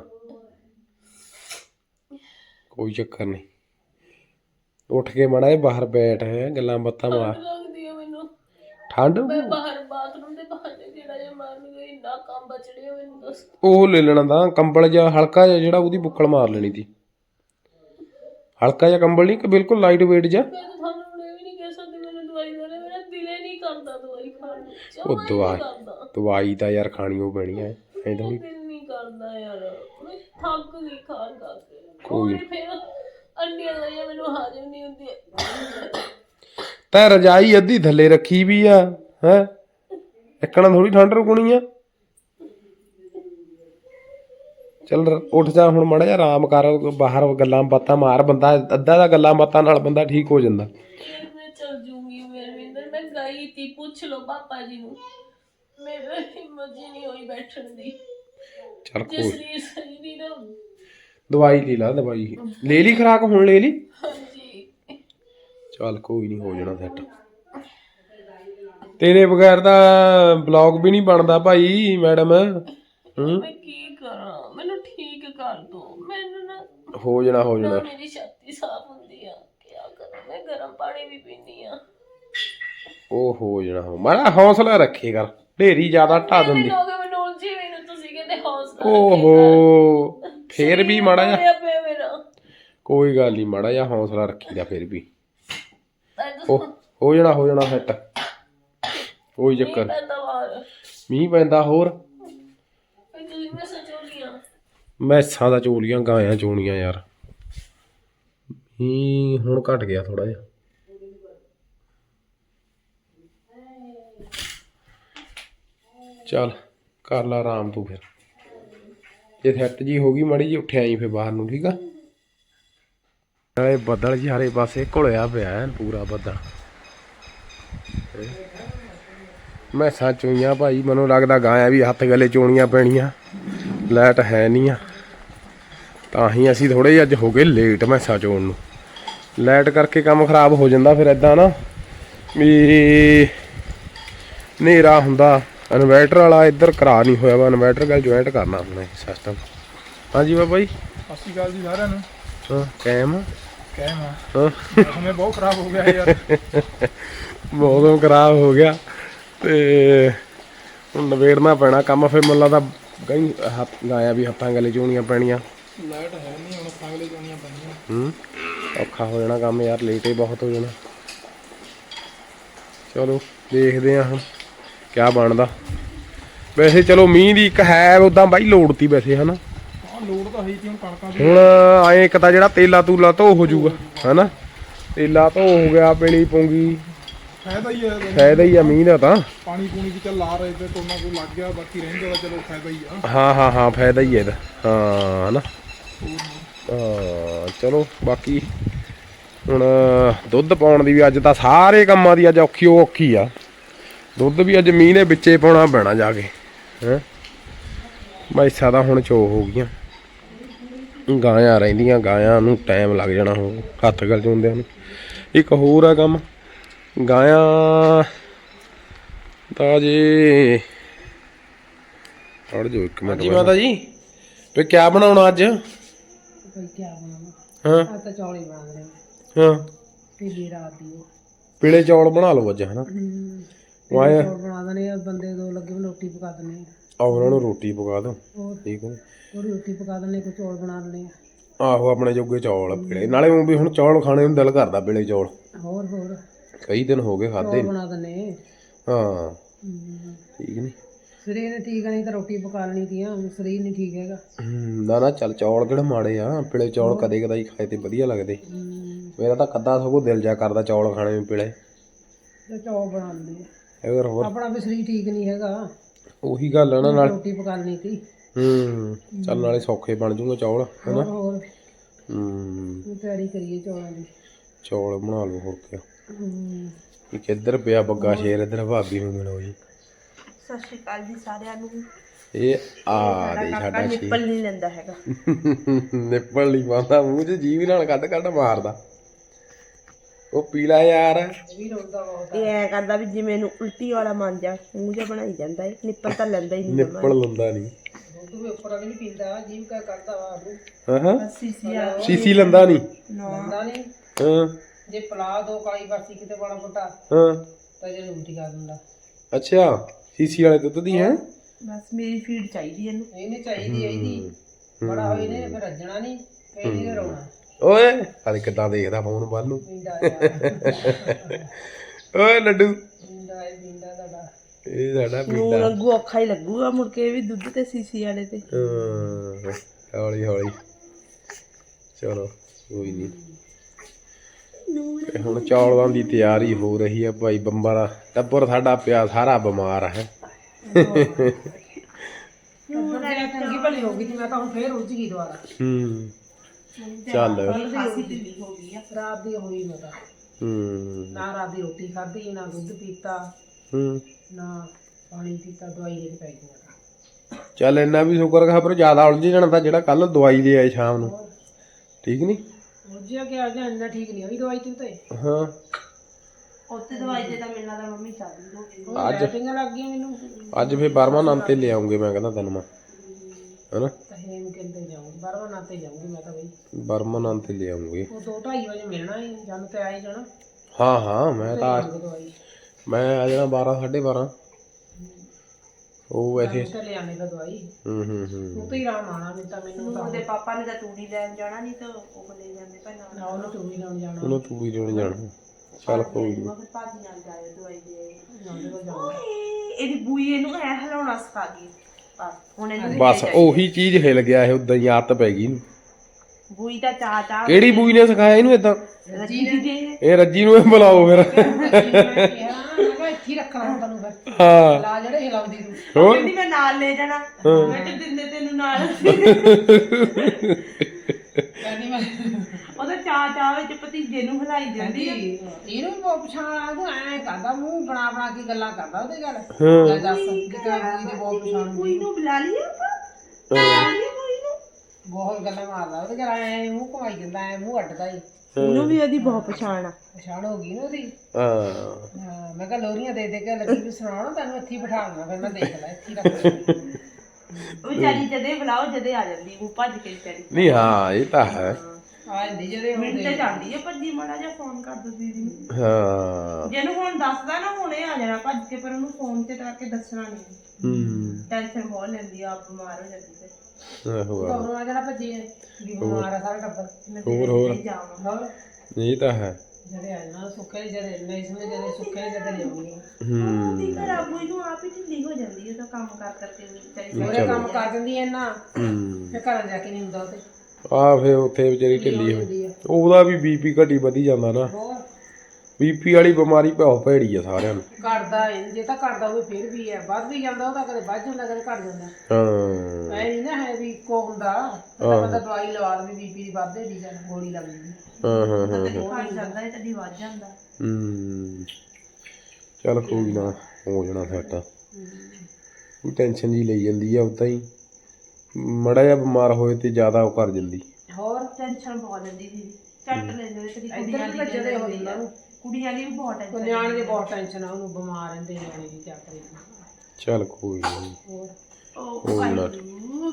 Speaker 1: ਕੋਈ ਚੱਕਰ ਨਹੀਂ। ਉੱਠ ਕੇ ਮਾੜਾ ਜਿਹਾ ਬਾਹਰ ਬੈਠ, ਗੱਲਾਂ ਬਾਤਾਂ ਮਾਰ।
Speaker 4: ਲੱਗਦੀ ਆ ਮੈਨੂੰ।
Speaker 1: ਠੰਡ
Speaker 4: ਮੈਂ ਬਾਹਰ ਬਾਥਰੂਮ ਦੇ ਬਹਾਨੇ ਜਿਹੜਾ ਜਿਹਾ ਮਾਰਨ ਗਈ, ਇੰਨਾ ਕੰਮ ਬਚੜਿਆ ਮੈਨੂੰ ਦੱਸ।
Speaker 1: ਉਹ ਲੈ ਲੈਣਾ ਤਾਂ ਕੰਬਲ ਜਿਹਾ ਹਲਕਾ ਜਿਹਾ, ਜਿਹੜਾ ਉਹਦੀ ਬੁੱਕਲ ਮਾਰ ਲੈਣੀ ਤੀ। ਹਲਕਾ ਜਿਹਾ ਕੰਬਲ ਨਹੀਂ ਕਿ ਬਿਲਕੁਲ ਲਾਈਟ ਵੇਟ ਜਿਹਾ।
Speaker 4: ਮੈਂ ਤਾਂ ਤੁਹਾਨੂੰ ਹੁਣ ਇਹ ਵੀ ਨਹੀਂ ਕਹਿ ਸਕਦੀ ਮੈਨੂੰ ਦਵਾਈ ਦੇ ਮੇਰਾ ਦਿਲ ਹੀ ਨਹੀਂ ਕਰਦਾ ਦਵਾਈ ਖਾਣ ਨੂੰ।
Speaker 1: ਉਹ ਦਵਾਈ ਤਾਂ ਯਾਰ ਖਾਣੀ ਉਹ ਪੈਣੀ ਐ ਐਂ ਤਾਂ
Speaker 4: ਦਿਲ ਨਹੀਂ ਕਰਦਾ ਯਾਰ, ਮੈਂ ਥੱਕ ਗਈ ਖਾਣ ਕਰਕੇ।
Speaker 1: ਕੋਈ
Speaker 4: ਫਿਰ ਅੰਡੀਆਂ ਦਵਾਈਆਂ ਮੈਨੂੰ ਹਾਜ਼ਮ ਨਹੀਂ ਹੁੰਦੀਆਂ।
Speaker 1: ਤਾਂ ਰਜਾਈ ਅੱਧੀ ਥੱਲੇ ਰੱਖੀ ਵੀ ਆ ਹੈ, ਇੱਕਣਾ ਥੋੜੀ ਠੰਡ ਰੁਕਣੀ ਆ। ਚੱਲ ਉੱਠ ਜਾ ਹੁਣ, ਮਾੜਾ ਜਿਹਾ ਆਰਾਮ ਕਰ, ਬਾਹਰ ਗੱਲਾਂ ਬਾਤਾਂ ਮਾਰ। ਬੰਦਾ ਅੱਧਾ ਦਾ ਗੱਲਾਂ ਬਾਤਾਂ ਨਾਲ ਬੰਦਾ ਠੀਕ ਹੋ ਜਾਂਦਾ।
Speaker 4: ਮੈਂ ਚਲ ਜੂੰਗੀ ਮਰਵਿੰਦਰ, ਮੈਂ ਗਈ ਤੀ, ਪੁੱਛ ਲਓ ਪਾਪਾ ਜੀ ਨੂੰ। ਮੇਰੇ ਹਿੰਮਤ ਹੀ ਨਹੀਂ ਹੋਈ ਬੈਠਣ ਦੀ।
Speaker 1: ਚੱਲ
Speaker 4: ਜੇ
Speaker 1: ਕੋਈ
Speaker 4: ਸਰੀਰ ਸਹੀ ਨਹੀਂ ਨਾ।
Speaker 1: ਦਵਾਈ ਲੈ ਲਾ, ਦਵਾਈ ਲੈ ਲਈ, ਖੁਰਾਕ ਹੁਣ ਲੈ ਲਈ।
Speaker 4: ਹਾਂਜੀ
Speaker 1: ਚੱਲ ਕੋਈ ਨਹੀਂ, ਹੋ ਜਾਣਾ ਸੈੱਟ। ਤੇਰੇ ਬਗੈਰ ਤਾਂ ਬਲੌਗ ਵੀ ਨਹੀਂ ਬਣਦਾ ਭਾਈ ਮੈਡਮ।
Speaker 4: ਮੈਂ ਕੀ ਕਰਾਂ, ਮੈਨੂੰ ਠੀਕ ਕਰ ਦੋ। ਮੈਨੂੰ ਨਾ
Speaker 1: ਹੋ ਜਾਣਾ
Speaker 4: ਮੇਰੀ ਛਾਤੀ ਸਾਫ਼ ਹੁੰਦੀ ਆ, ਕੀ ਕਰਾਂ। ਮੈਂ ਗਰਮ ਪਾਣੀ ਵੀ ਪੀਂਦੀ ਆ।
Speaker 1: ਉਹ ਹੋ ਜਾਣਾ। ਮਾੜਾ ਹੌਸਲਾ ਰੱਖੇ ਕਰ, ਢੇਰੀ ਜ਼ਿਆਦਾ ਢਾ ਦਿੰਦੀ।
Speaker 4: ਮੈਨੂੰ ਉਲਝੀ ਹੋਈ ਨੂੰ ਤੁਸੀਂ ਕਹਿੰਦੇ ਹੌਸਲਾ।
Speaker 1: ਓਹੋ ਫੇਰ ਵੀ ਮਾੜਾ ਜਿਹਾ,
Speaker 4: ਪਿਆ ਮੇਰਾ।
Speaker 1: ਕੋਈ ਗੱਲ ਨਹੀਂ, ਮਾੜਾ ਜਿਹਾ ਹੌਸਲਾ ਰੱਖੀਦਾ ਫਿਰ ਵੀ। ਹੋ ਜਾਣਾ ਸੈੱਟ, ਕੋਈ ਚੱਕਰ। ਮੀਂਹ ਪੈਂਦਾ ਹੋਰ। ਮੈਸਾਂ ਦਾ ਚੋਲੀਆਂ, ਗਾਇਆਂ ਚੋਣੀਆਂ ਯਾਰ। ਮੀਂਹ ਹੁਣ ਘਟ ਗਿਆ ਥੋੜਾ ਜਿਹਾ। ਚੱਲ ਕਰ ਲਾ ਆਰਾਮ ਤੂੰ ਫਿਰ, ਜੇ ਸੈੱਟ ਜੀ ਹੋ ਗਈ ਮਾੜੀ ਜੀ ਉੱਠਿਆ ਜੀ ਫਿਰ ਬਾਹਰ ਨੂੰ, ਠੀਕ ਆ। ਨਾਲੇ ਬੱਦਲ ਜੀ ਹਰੇ ਪਾਸੇ ਘੁਲਿਆ ਪਿਆ ਐਨ ਪੂਰਾ ਬੱਦਲ। ਮੈਸਾਂ ਚੋਈਆਂ ਭਾਈ, ਮੈਨੂੰ ਲੱਗਦਾ ਗਾਇਆਂ ਵੀ ਹੱਥ ਗਲੇ ਚੋਣੀਆਂ ਪੈਣੀਆਂ। ਲਾਈਟ ਹੈ ਨਹੀਂ ਆ, ਤਾਂ ਹੀ ਅਸੀਂ ਥੋੜ੍ਹੇ ਜਿਹੇ ਅੱਜ ਹੋ ਗਏ ਲੇਟ ਮੈਸਾਂ ਚੋਣ ਨੂੰ। ਲਾਈਟ ਕਰਕੇ ਕੰਮ ਖਰਾਬ ਹੋ ਜਾਂਦਾ ਫਿਰ ਇੱਦਾਂ ਨਾ ਵੀ, ਹਨੇਰਾ ਹੁੰਦਾ। ਇਨਵੈਟਰ ਵਾਲਾ ਇੱਧਰ ਕਰਾ ਨਹੀਂ ਹੋਇਆ ਵਾ, ਇਨਵੈਟਰ ਗੱਲ ਜੁਆਇੰਟ ਕਰਨਾ ਹੁਣ ਸਿਸਟਮ। ਹਾਂਜੀ ਬਾਬਾ ਜੀ,
Speaker 3: ਸਤਿ ਸ਼੍ਰੀ ਅਕਾਲ ਜੀ ਸਾਰਿਆਂ ਨੂੰ।
Speaker 1: ਹਾਂ ਕਾਇਮ
Speaker 3: ਆ
Speaker 1: ਹਾਂ,
Speaker 3: ਸਮੇਂ ਬਹੁਤ ਖਰਾਬ ਹੋ ਗਿਆ ਯਾਰ।
Speaker 1: ਮੌਸਮ ਖਰਾਬ ਹੋ ਗਿਆ ਤੇ ਹੁਣ ਨਵੇੜਨਾ ਪੈਣਾ ਕੰਮ। ਫਿਰ ਮੈਨੂੰ ਲੱਗਦਾ ਕਈ ਗਾਇਆ ਵੀ ਹੱਥਾਂ ਗਲੇ ਚੋਣੀਆਂ ਪੈਣੀਆਂ।
Speaker 3: ਲਾਈਟ ਹੈ ਨਹੀਂ, ਹੁਣ ਅੱਖਾਂ ਗਲੇ ਚੋਣੀਆਂ ਪੈਣੀਆਂ।
Speaker 1: ਔਖਾ ਹੋ ਜਾਣਾ ਕੰਮ ਯਾਰ, ਲੇਟ ਹੀ ਬਹੁਤ ਹੋ ਜਾਣਾ। ਚਲੋ ਦੇਖਦੇ ਹਾਂ ਹੁਣ ਕਿਆ ਬਣਦਾ। ਵੈਸੇ ਚਲੋ ਮੀਂਹ ਦੀ ਇੱਕ ਹੈ ਉੱਦਾਂ ਬਾਈ ਲੋੜ ਤੀ ਵੈਸੇ, ਹਨਾ।
Speaker 3: ਹਾਂ ਲੋੜ ਤਾਂ ਹੈ ਤੀ, ਹੁਣ ਕਣਕਾਂ ਦੀ।
Speaker 1: ਹੁਣ ਆਏ ਇੱਕ ਤਾਂ ਜਿਹੜਾ ਤੇਲਾ ਤੂਲਾ ਧੋ ਹੋ ਜਾਊਗਾ, ਹਨਾ। ਤੇਲਾ ਧੋ ਹੋ ਗਿਆ, ਪੀਲੀ ਪੂੰਗੀ, ਫਾਇਦਾ ਹੀ ਆ ਮੀਂਹ ਦਾ ਤਾਂ।
Speaker 3: ਪਾਣੀ ਪੂਣੀ ਵੀ ਚੱਲ ਲਾ ਰਹੇ ਤੇ ਕੋਈ ਨਾ ਕੋਈ ਲੱਗ ਗਿਆ, ਬਾਕੀ ਰਹਿੰਦਾ ਤਾਂ ਚਲੋ ਫਾਇਦਾ ਹੀ ਆ।
Speaker 1: ਹਾਂ ਫਾਇਦਾ ਹੀ ਹੈ ਇਹਦਾ, ਹਾਂ ਹਨਾ। ਹਾਂ ਚਲੋ ਬਾਕੀ ਹੁਣ ਦੁੱਧ ਪਾਉਣ ਦੀ ਵੀ ਅੱਜ ਤਾਂ ਸਾਰੇ ਕੰਮਾਂ ਦੀ ਅੱਜ ਔਖੀ ਆ। ਦੁੱਧ ਵੀ ਅੱਜ ਮੀਂਹ ਦੇ ਵਿੱਚੇ ਪਾਉਣਾ ਪੈਣਾ ਜਾ ਕੇ, ਹੈਂ। ਮੈਸਾਂ ਤਾਂ ਹੁਣ ਚੋ ਹੋ ਗਈਆਂ, ਗਾਇਆਂ ਰਹਿੰਦੀਆਂ। ਗਾਇਆਂ ਨੂੰ ਟਾਈਮ ਲੱਗ ਜਾਣਾ ਹੁਣ ਹੱਥ ਗਲ ਚੋਂਦਿਆਂ ਨੂੰ। ਇੱਕ ਹੋਰ ਆ ਕੰਮ, ਗਾਇਆਂ ਤਾਂ ਜੇ ਖੜ ਜਾਓ ਇੱਕ ਮਿੰਟ। ਜੀ ਮਾਤਾ ਜੀ ਤੇ ਕਿਆ ਬਣਾਉਣਾ ਅੱਜ? ਹਾਂ
Speaker 2: ਤਾਂ ਚੌਲ ਹੀ ਬਣਾ ਰਹੇ
Speaker 1: ਹਾਂ,
Speaker 2: ਪੀਲੀ ਰਾਤ ਦੀ
Speaker 1: ਪੀਲੇ ਚੌਲ ਬਣਾ ਲਓ ਅੱਜ, ਹਨਾ। ਵਾਏ
Speaker 2: ਚੌਲ ਬਣਾ ਦਨੇ ਆ, ਬੰਦੇ ਦੋ ਲੱਗੇ ਰੋਟੀ ਪਕਾ ਦਨੇ
Speaker 1: ਆ, ਉਹਨਾਂ ਨੂੰ ਰੋਟੀ ਪਕਾ ਦੋ, ਠੀਕ ਹੈ।
Speaker 2: ਥੋੜੀ ਰੋਟੀ ਪਕਾ ਦਨੇ, ਕੋਈ ਚੌਲ ਬਣਾ ਦਨੇ ਆ।
Speaker 1: ਆਹੋ ਆਪਣੇ ਜੋਗੇ ਚੌਲ ਪੀਲੇ, ਨਾਲੇ ਉਹ ਵੀ ਹੁਣ ਚੌਲ ਖਾਣੇ ਨੂੰ ਦਿਲ ਕਰਦਾ, ਪੀਲੇ ਚੌਲ।
Speaker 2: ਹੋਰ
Speaker 1: ਕਈ ਦਿਨ ਹੋ ਗਏ ਖਾਦੇ
Speaker 2: ਬਣਾ ਦਨੇ।
Speaker 1: ਹਾਂ ਠੀਕ ਨੀ,
Speaker 2: ਸਰੀਰ ਠੀਕ ਨਹੀਂ ਤਾਂ ਰੋਟੀ ਪਕਾ ਲੈਣੀ ਤੀ, ਸਰੀਰ ਨਹੀਂ ਠੀਕ ਹੈਗਾ।
Speaker 1: ਨਾ ਚੱਲ ਚੌਲ ਕਿਹੜੇ ਮਾੜੇ ਆ, ਪੀਲੇ ਚੌਲ ਕਦੇ ਕਦਾਈ ਖਾਏ ਤੇ ਵਧੀਆ ਲੱਗਦੇ। ਮੇਰਾ ਤਾਂ ਕੱਦਾ ਸਗੋਂ ਦਿਲ ਜਾ ਕਰਦਾ ਚੌਲ ਖਾਣੇ ਨੂੰ ਪੀਲੇ।
Speaker 2: ਚੌਲ ਬਣਾ ਦਿੰਦੇ
Speaker 1: ਹੋਰ
Speaker 2: ਆਪਣਾ ਵੀ ਸਰੀਰ ਠੀਕ ਨਹੀਂ ਹੈਗਾ,
Speaker 1: ਉਹੀ ਗੱਲ ਆ ਨਾ, ਨਾਲ
Speaker 2: ਰੋਟੀ ਪਕਾ ਲੈਣੀ ਤੀ।
Speaker 1: ਚੱਲ ਨਾਲੇ ਸੌਖੇ ਬਣ ਜੂਗਾ ਚੌਲ, ਹਨਾ।
Speaker 2: ਤਿਆਰੀ ਕਰੀਏ ਚੌਲਾਂ ਦੀ।
Speaker 1: ਚੌਲ ਬਣਾ ਲਓ, ਹੋਰ ਕਿਆ। ਇੱਕ ਇੱਧਰ ਪਿਆ ਬੱਗਾ ਸ਼ੇਰ, ਇੱਧਰ ਭਾਬੀ ਨੂੰ ਮਿਲੋ ਜੀ।
Speaker 5: ਸਤਿ ਸ਼੍ਰੀ ਅਕਾਲ ਜੀ ਸਾਰਿਆਂ ਨੂੰ।
Speaker 1: ਇਹ ਆ ਦੇ ਸਾਡਾ
Speaker 5: ਨਿੱਪਲ ਨਹੀਂ ਲੈਂਦਾ ਹੈਗਾ,
Speaker 1: ਨਿੱਪਲ ਨਹੀਂ ਪਾਉਂਦਾ ਮੂੰਹ 'ਚ, ਜੀਭ ਨਾਲ ਕੱਢ ਮਾਰਦਾ। ਉਹ ਪੀਲਾ ਯਾਰ,
Speaker 5: ਇਹ ਐ ਕਰਦਾ ਵੀ ਜਿਵੇਂ ਨੂੰ ਉਲਟੀ ਵਾਲਾ ਮਾਂਜਾ ਮੂੰਹ ਜਿਹਾ ਬਣਾਈ ਜਾਂਦਾ ਏ। ਨਿੱਪਲ ਤਾਂ ਲੈਂਦਾ ਹੀ ਨਹੀਂ,
Speaker 1: ਨਿੱਪਲ ਲੰਦਾ ਨਹੀਂ।
Speaker 6: ਤੂੰ ਵੀ ਉੱਪਰ ਵੀ ਨਹੀਂ ਪੀਂਦਾ ਜੀਵ ਕਾ ਕਰਦਾ ਵਾ ਆਲੂ
Speaker 1: ਹਾਂ
Speaker 5: ਸੀਸੀ ਆ
Speaker 1: ਸੀਸੀ ਲੰਦਾ ਨਹੀਂ
Speaker 6: ਬੰਦਾ ਨਹੀਂ
Speaker 1: ਹਾਂ
Speaker 6: ਜੇ ਪਲਾ ਦੋ ਕਾਲੀ ਬਾਸੀ ਕਿਤੇ ਬੜਾ ਮੋਟਾ
Speaker 1: ਹਾਂ
Speaker 6: ਤਾਂ ਜੇ ਉਲਟੀ ਕਰ ਦਿੰਦਾ
Speaker 1: ਅੱਛਾ ਸੀਸੀ ਵਾਲੇ ਦੁੱਧ ਦੀ ਹੈ
Speaker 5: ਬਸ ਮੇਰੀ ਫੀਡ ਚਾਹੀਦੀ ਇਹਨੂੰ
Speaker 6: ਇਹਨੇ ਚਾਹੀਦੀ ਇਹਦੀ ਬੜਾ ਹੋਈ ਨੇ ਫਿਰ ਰੱਜਣਾ ਨਹੀਂ ਫੇਰ ਨਹੀਂ ਰੋਣਾ
Speaker 1: ਓਏ ਅਰੇ ਕਿੱਦਾਂ ਦੇਖਦਾ ਫੋਨ ਵੱਲ ਨੂੰ
Speaker 6: ਪਿੰਡਾ ਯਾਰ
Speaker 1: ਓਏ ਲੱਡੂ
Speaker 6: ਪਿੰਡਾ ਇਹ ਪਿੰਡਾ ਤੁਹਾਡਾ
Speaker 1: ਇਹ ਸਾਡਾ
Speaker 5: ਨੂੰ
Speaker 1: ਪੀਂਦਾ
Speaker 5: ਲੱਗੂ ਔਖਾ ਹੀ ਲੱਗੂਗਾ ਮੁੜ ਕੇ ਵੀ ਦੁੱਧ ਤੇ ਸੀਸੀ ਵਾਲੇ ਤੇ
Speaker 1: ਹਾਂ ਹੌਲੀ ਹੌਲੀ ਚਲੋ ਕੋਈ ਨਹੀਂ ਤੇ ਹੁਣ ਚੌਲਾਂ ਦੀ ਤਿਆਰੀ ਹੋ ਰਹੀ ਹੈ ਭਾਈ ਬੰਬਾ ਦਾ ਟੱਬਰ ਸਾਡਾ ਪਿਆ ਸਾਰਾ ਬਿਮਾਰ ਹੈ
Speaker 6: ਚੰਗੀ ਭਲੀ ਹੋ ਗਈ ਤੇ ਮੈਂ ਤਾਂ ਹੁਣ ਫੇਰ ਰੁੱਝ ਗਈ ਦੁਬਾਰਾ
Speaker 1: ਚੱਲ
Speaker 5: ਖਾਸੀ ਢਿੱਲੀ ਹੋ ਗਈ ਆ
Speaker 6: ਰਾਤ ਦੀ ਹੋਈ ਮੈਂ ਤਾਂ ਨਾ ਰਾਤ ਦੀ ਰੋਟੀ ਖਾਧੀ ਨਾ ਦੁੱਧ ਪੀਤਾ ਨਾ ਪਾਣੀ ਪੀਤਾ ਦਵਾਈ ਲੈ ਕੇ ਪੈ ਗਈ ਮੈਂ
Speaker 1: ਚੱਲ ਇੰਨਾ ਵੀ ਸ਼ੁਕਰ ਕਰ ਪਰ ਜ਼ਿਆਦਾ ਉਲਝ ਜਾਣਾ ਤਾਂ ਜਿਹੜਾ ਕੱਲ ਦਵਾਈ ਦੇ ਆਏ ਸ਼ਾਮ ਨੂੰ ਠੀਕ ਨਹੀਂ
Speaker 6: ਰੁੱਝਿਆ ਕਿ ਆ ਜਾ ਇੰਨਾ ਠੀਕ ਨਹੀਂ ਹੋਈ ਦਵਾਈ ਤੇ
Speaker 1: ਹਾਂ
Speaker 5: ਉੱਥੇ ਦਵਾਈ ਦੇ ਤਾਂ ਮਿਲਣਾ ਤਾਂ ਮੰਮੀ ਚਾਹਦੀ ਹੋਗੀ
Speaker 1: ਅੱਜ
Speaker 6: ਲੱਗ ਗਈ ਮੈਨੂੰ
Speaker 1: ਅੱਜ ਫੇਰ 12ਵਾਂ ਨੰਨ ਤੇ ਲੈ ਆਉਂਗੇ ਮੈਂ ਕਹਿੰਦਾ ਤੈਨੂੰ ਮੈਂ ਹਨਾ
Speaker 6: ਤਾਂ ਹੇਮ ਕਿੰਦੇ ਜਾਊਂਗੀ 12ਵਾਂ ਨਾਤੇ ਜਾਊਂਗੀ ਮੈਂ ਤਾਂ ਬਈ
Speaker 1: 12ਵਾਂ ਨੰਨ ਤੇ ਲੈ ਆਉਂਗੇ
Speaker 6: ਉਹ 2:30 ਵਜੇ ਮਿਲਣਾ ਹੈ ਜਨ ਤੇ ਆਏ ਜਾਣਾ
Speaker 1: ਹਾਂ ਹਾਂ ਮੈਂ ਤਾਂ
Speaker 6: ਦਵਾਈ
Speaker 1: ਮੈਂ ਆ ਜਾਣਾ 12 12:30 ਉਹ ਵੈਸੇ
Speaker 6: ਤੇ ਲੈ ਆਣੇ ਦਾ ਦਵਾਈ
Speaker 1: ਹੂੰ
Speaker 6: ਉਹ ਤੇ ਹੀ ਆਰਾਮ ਆਣਾ ਨਹੀਂ ਤਾਂ ਮੈਨੂੰ ਤਾਂ
Speaker 5: ਉਹਦੇ ਪਾਪਾ ਨੇ ਤਾਂ ਤੂੜੀ ਲੈਣ ਜਾਣਾ ਨਹੀਂ ਤਾਂ ਉਹ ਲੈ ਜਾਂਦੇ ਭੈਣਾਂ
Speaker 6: ਨਾ ਉਹਨੂੰ ਟੂਈ ਲਾਉਣ ਜਾਣਾ
Speaker 1: ਉਹਨੂੰ ਤੂੰ ਵੀ ਦੇਣ ਜਾਣਾ ਚੱਲ ਕੋਈ ਨਹੀਂ
Speaker 5: ਫਿਰ ਭਾਜੀ ਨਾਲ ਜਾਏ ਦਵਾਈ ਦੇ
Speaker 6: ਨਾਲੇ ਕੋਲ ਜਾਣਾ
Speaker 5: ਓਏ ਇਹਦੀ ਬੂਈ ਇਹਨੂੰ ਐ ਹਲਾਉਣਾ ਸਿਖਾ ਗਈ ਬਸ ਹੁਣ ਇਹਨੂੰ
Speaker 1: ਬਸ ਉਹੀ ਚੀਜ਼ ਹਿਲ ਗਿਆ ਇਹ ਉਦਾਂ ਹੀ ਆਦਤ ਪੈ ਗਈ ਇਹਨੂੰ
Speaker 5: ਬੂਈ ਤਾਂ ਚਾਹ
Speaker 1: ਕਿਹੜੀ ਬੂਈ ਨੇ ਸਿਖਾਇਆ ਇਹਨੂੰ ਇਦਾਂ
Speaker 5: ਰੱਜੀ ਦੇ
Speaker 1: ਇਹ ਰੱਜੀ ਨੂੰ ਇਹ ਬੁਲਾਓ ਫਿਰ
Speaker 6: ਮੈਂ ਕਿਹਾ ਇੱਥੇ ਹੀ ਰੱਖਣਾ ਹੁਣ ਤੈਨੂੰ ਫਿਰ
Speaker 1: ਹਾਂ
Speaker 6: ਲਾ ਜਿਹੜੇ ਹਿਲਾਉਂਦੀ ਤੂੰ
Speaker 1: ਹੋਰ
Speaker 5: ਕਹਿੰਦੀ ਮੈਂ ਨਾਲ ਲੈ ਜਾਣਾ ਮੈਂ ਤੇ ਦਿੰਦੇ ਤੈਨੂੰ ਨਾਲ
Speaker 6: ਕਹਿੰਦੀ ਮੈਂ
Speaker 5: ਉਹਦਾ ਚਾਹ ਵਿੱਚ ਭਤੀਜੇ ਨੂੰ ਹਿਲਾਈ ਜਾਂਦੀ ਆ
Speaker 6: ਇਹਨੂੰ ਵੀ ਬਹੁਤ ਪਛਾਣ ਆ ਤੂੰ ਐ ਕਰਦਾ ਮੂੰਹ ਬਣਾ ਕੇ ਗੱਲਾਂ ਕਰਦਾ ਉਹਦੇ ਗੱਲ ਲੈ ਦੱਸ ਕਿਤੇ ਬੂਈ ਦੀ ਬਹੁਤ ਪਛਾਣ
Speaker 5: ਬੂਈ ਨੂੰ ਬੁਲਾ ਲਈਏ ਆਪਾਂ ਬੁਲਾ ਲਈਏ ਬੂਈ ਨੂੰ
Speaker 6: ਬਹੁਤ ਗੱਲਾਂ ਮਾਰਦਾ ਉਹਦੇ ਗੱਲ ਐ ਮੂੰਹ ਘੁਮਾਈ ਜਾਂਦਾ ਐ ਮੂੰਹ ਅੱਡਦਾ ਹੀ
Speaker 5: ਉਹਨੂੰ ਵੀ ਉਹਦੀ ਬਹੁਤ ਪਛਾਣ ਆ
Speaker 6: ਪਛਾਣ ਹੋ ਗਈ ਨਾ ਉਹਦੀ
Speaker 1: ਹਾਂ
Speaker 6: ਹਾਂ ਮੈਂ ਕਿਹਾ ਲੋਰੀਆਂ ਦੇ ਕੇ ਲੱਗੀ ਵੀ ਸੁਣਾਉਣਾ ਤੈਨੂੰ ਇੱਥੇ ਹੀ ਬਿਠਾ ਦੇਣਾ ਫਿਰ ਮੈਂ ਦੇਖ ਲੈ ਇੱਥੇ ਹੀ ਰੱਖ
Speaker 5: ਉਹ ਵਿਚਾਰੀ ਜਦੇ ਬੁਲਾਓ ਜਦੇ ਆ ਜਾਂਦੀ ਉਹ ਭੱਜ ਕੇ ਵਿਚਾਰੀ
Speaker 1: ਨਹੀਂ ਹਾਂ ਇਹ ਤਾਂ ਹੈ
Speaker 6: ਆ ਜਾਂਦੀ ਜਿਹੜੇ
Speaker 5: ਮਿੰਟ ਤੇ ਜਾਂਦੀ ਆ ਭੱਜੀ ਮਾੜਾ ਜਿਹਾ ਫੋਨ ਕਰ ਦੋ ਦੀਦੀ ਨੂੰ
Speaker 1: ਹਾਂ
Speaker 5: ਜਿਹਨੂੰ ਹੁਣ ਦੱਸਦਾ ਨਾ ਹੁਣੇ ਆ ਜਾਣਾ ਭੱਜ ਕੇ ਪਰ ਉਹਨੂੰ ਫੋਨ ਤੇ ਕਰਕੇ ਦੱਸਣਾ ਨਹੀਂ ਟੈਨਸ਼ਨ ਬਹੁਤ ਲੈਂਦੀ ਆ ਆਪ ਬਿਮਾਰ ਹੋ ਜਾਂਦੀ ਤੇ
Speaker 1: ਆਹੋ
Speaker 6: ਕੌਣ ਆ ਜਿਹੜਾ ਭੱਜੀ ਵੀ ਬਿਮਾਰ ਆ ਸਾਰਾ ਟੱਬਰ
Speaker 5: ਮੈਂ
Speaker 1: ਹੋਰ
Speaker 5: ਨਹੀਂ ਜਾਵਾਂ
Speaker 6: ਹੋਰ
Speaker 1: ਇਹ ਤਾਂ ਹੈ
Speaker 6: ਜਿਹੜੇ ਆ ਨਾ ਸੁੱਕੇ ਜਿਹੜੇ ਨਹੀਂ ਸਮਝ ਜਿਹੜੇ ਸੁੱਕੇ ਜਿਹੜੇ ਲਿਆਉਣੀ
Speaker 5: ਦੀ ਘਰ ਆਬੂ ਨੂੰ ਆਪ ਹੀ ਢਿੱਲੀ ਹੋ ਜਾਂਦੀ ਹੈ ਤਾਂ ਕੰਮ ਕਰ ਕਰਕੇ ਵਿਚਾਰੀ
Speaker 6: ਮੇਰੇ ਕੰਮ ਕਰ ਦਿੰਦੀ ਐ ਨਾ ਫਿਰ ਘਰਾਂ ਜਾ ਕੇ ਨਹੀਂ ਹੁੰਦਾ ਉਹ ਤੇ
Speaker 1: ਆ ਫੇ ਉੱਥੇ ਵਿਚਾਰੀ ਢਿੱਲੀ ਹੋਈ ਉਹਦਾ ਵੀ ਬੀਪੀ ਘਟੀ ਵਧੀ ਜਾਂਦਾ ਨਾ
Speaker 6: ਹੋਰ
Speaker 1: ਬੀਪੀ ਵਾਲੀ ਬਿਮਾਰੀ ਭੌ ਭੈੜੀ ਆ ਸਾਰਿਆਂ ਨੂੰ
Speaker 6: ਘਟਦਾ ਜੇ ਤਾਂ ਘਟਦਾ ਉਹ ਫਿਰ ਵੀ ਹੈ ਵੱਧ ਵੀ ਜਾਂਦਾ ਉਹ ਤਾਂ ਕਦੇ ਵੱਧ ਜਾਂਦਾ ਕਦੇ ਘਟ ਜਾਂਦਾ
Speaker 1: ਹਾਂ
Speaker 6: ਐ ਨਹੀਂ ਨਾ ਹੈ ਵੀ ਇੱਕੋ ਹੁੰਦਾ ਤਾਂ ਬੰਦਾ ਦਵਾਈ ਲਵਾ ਲਵੇ ਬੀਪੀ ਦੀ ਵੱਧਦੇ ਦੀ ਜਾਂ ਗੋਲੀ ਲੱਗ ਜਾਂਦੀ
Speaker 1: ਹਾਂ
Speaker 5: ਕਦੀ ਘਟ ਜਾਂਦਾ ਹੈ ਕਦੀ ਵੱਧ ਜਾਂਦਾ
Speaker 1: ਚੱਲ ਕੋਈ ਨਾ ਹੋ ਜਾਣਾ ਸੈੱਟ ਕੋਈ ਟੈਨਸ਼ਨ ਜੀ ਲਈ ਜਾਂਦੀ ਆ ਉਦਾਂ ਹੀ ਮੜਾ ਜਿਹਾ ਬਿਮਾਰ ਹੋਏ ਤੇ ਜ਼ਿਆਦਾ ਉਹ ਕਰ ਜਾਂਦੀ
Speaker 5: ਹੋਰ ਟੈਨਸ਼ਨ ਬਹੁਤ ਲੈਂਦੀ ਦੀਦੀ ਚੱਟ ਲੈਂਦੇ ਤੇ
Speaker 6: ਇੱਧਰ
Speaker 5: ਕੁੜੀਆਂ
Speaker 6: ਵੀ
Speaker 5: ਦੀ
Speaker 6: ਭੱਜਦੇ ਹੋ ਜਾਂਦਾ ਉਹਨੂੰ
Speaker 5: ਕੁੜੀਆਂ ਦੀ ਵੀ ਬਹੁਤ
Speaker 6: ਉਹ
Speaker 5: ਟੈਨਸ਼ਨ
Speaker 6: ਨਿਆਣੇ ਦੀ ਬਹੁਤ ਟੈਨਸ਼ਨ ਆ ਉਹਨੂੰ ਬਿਮਾਰ ਰਹਿੰਦੇ ਨਿਆਣੇ ਦੀ ਚੱਕ ਰਹੀ
Speaker 1: ਚੱਲ ਕੋਈ ਨਹੀਂ
Speaker 6: ਹੋਰ
Speaker 5: ਉਹ ਭਾਈ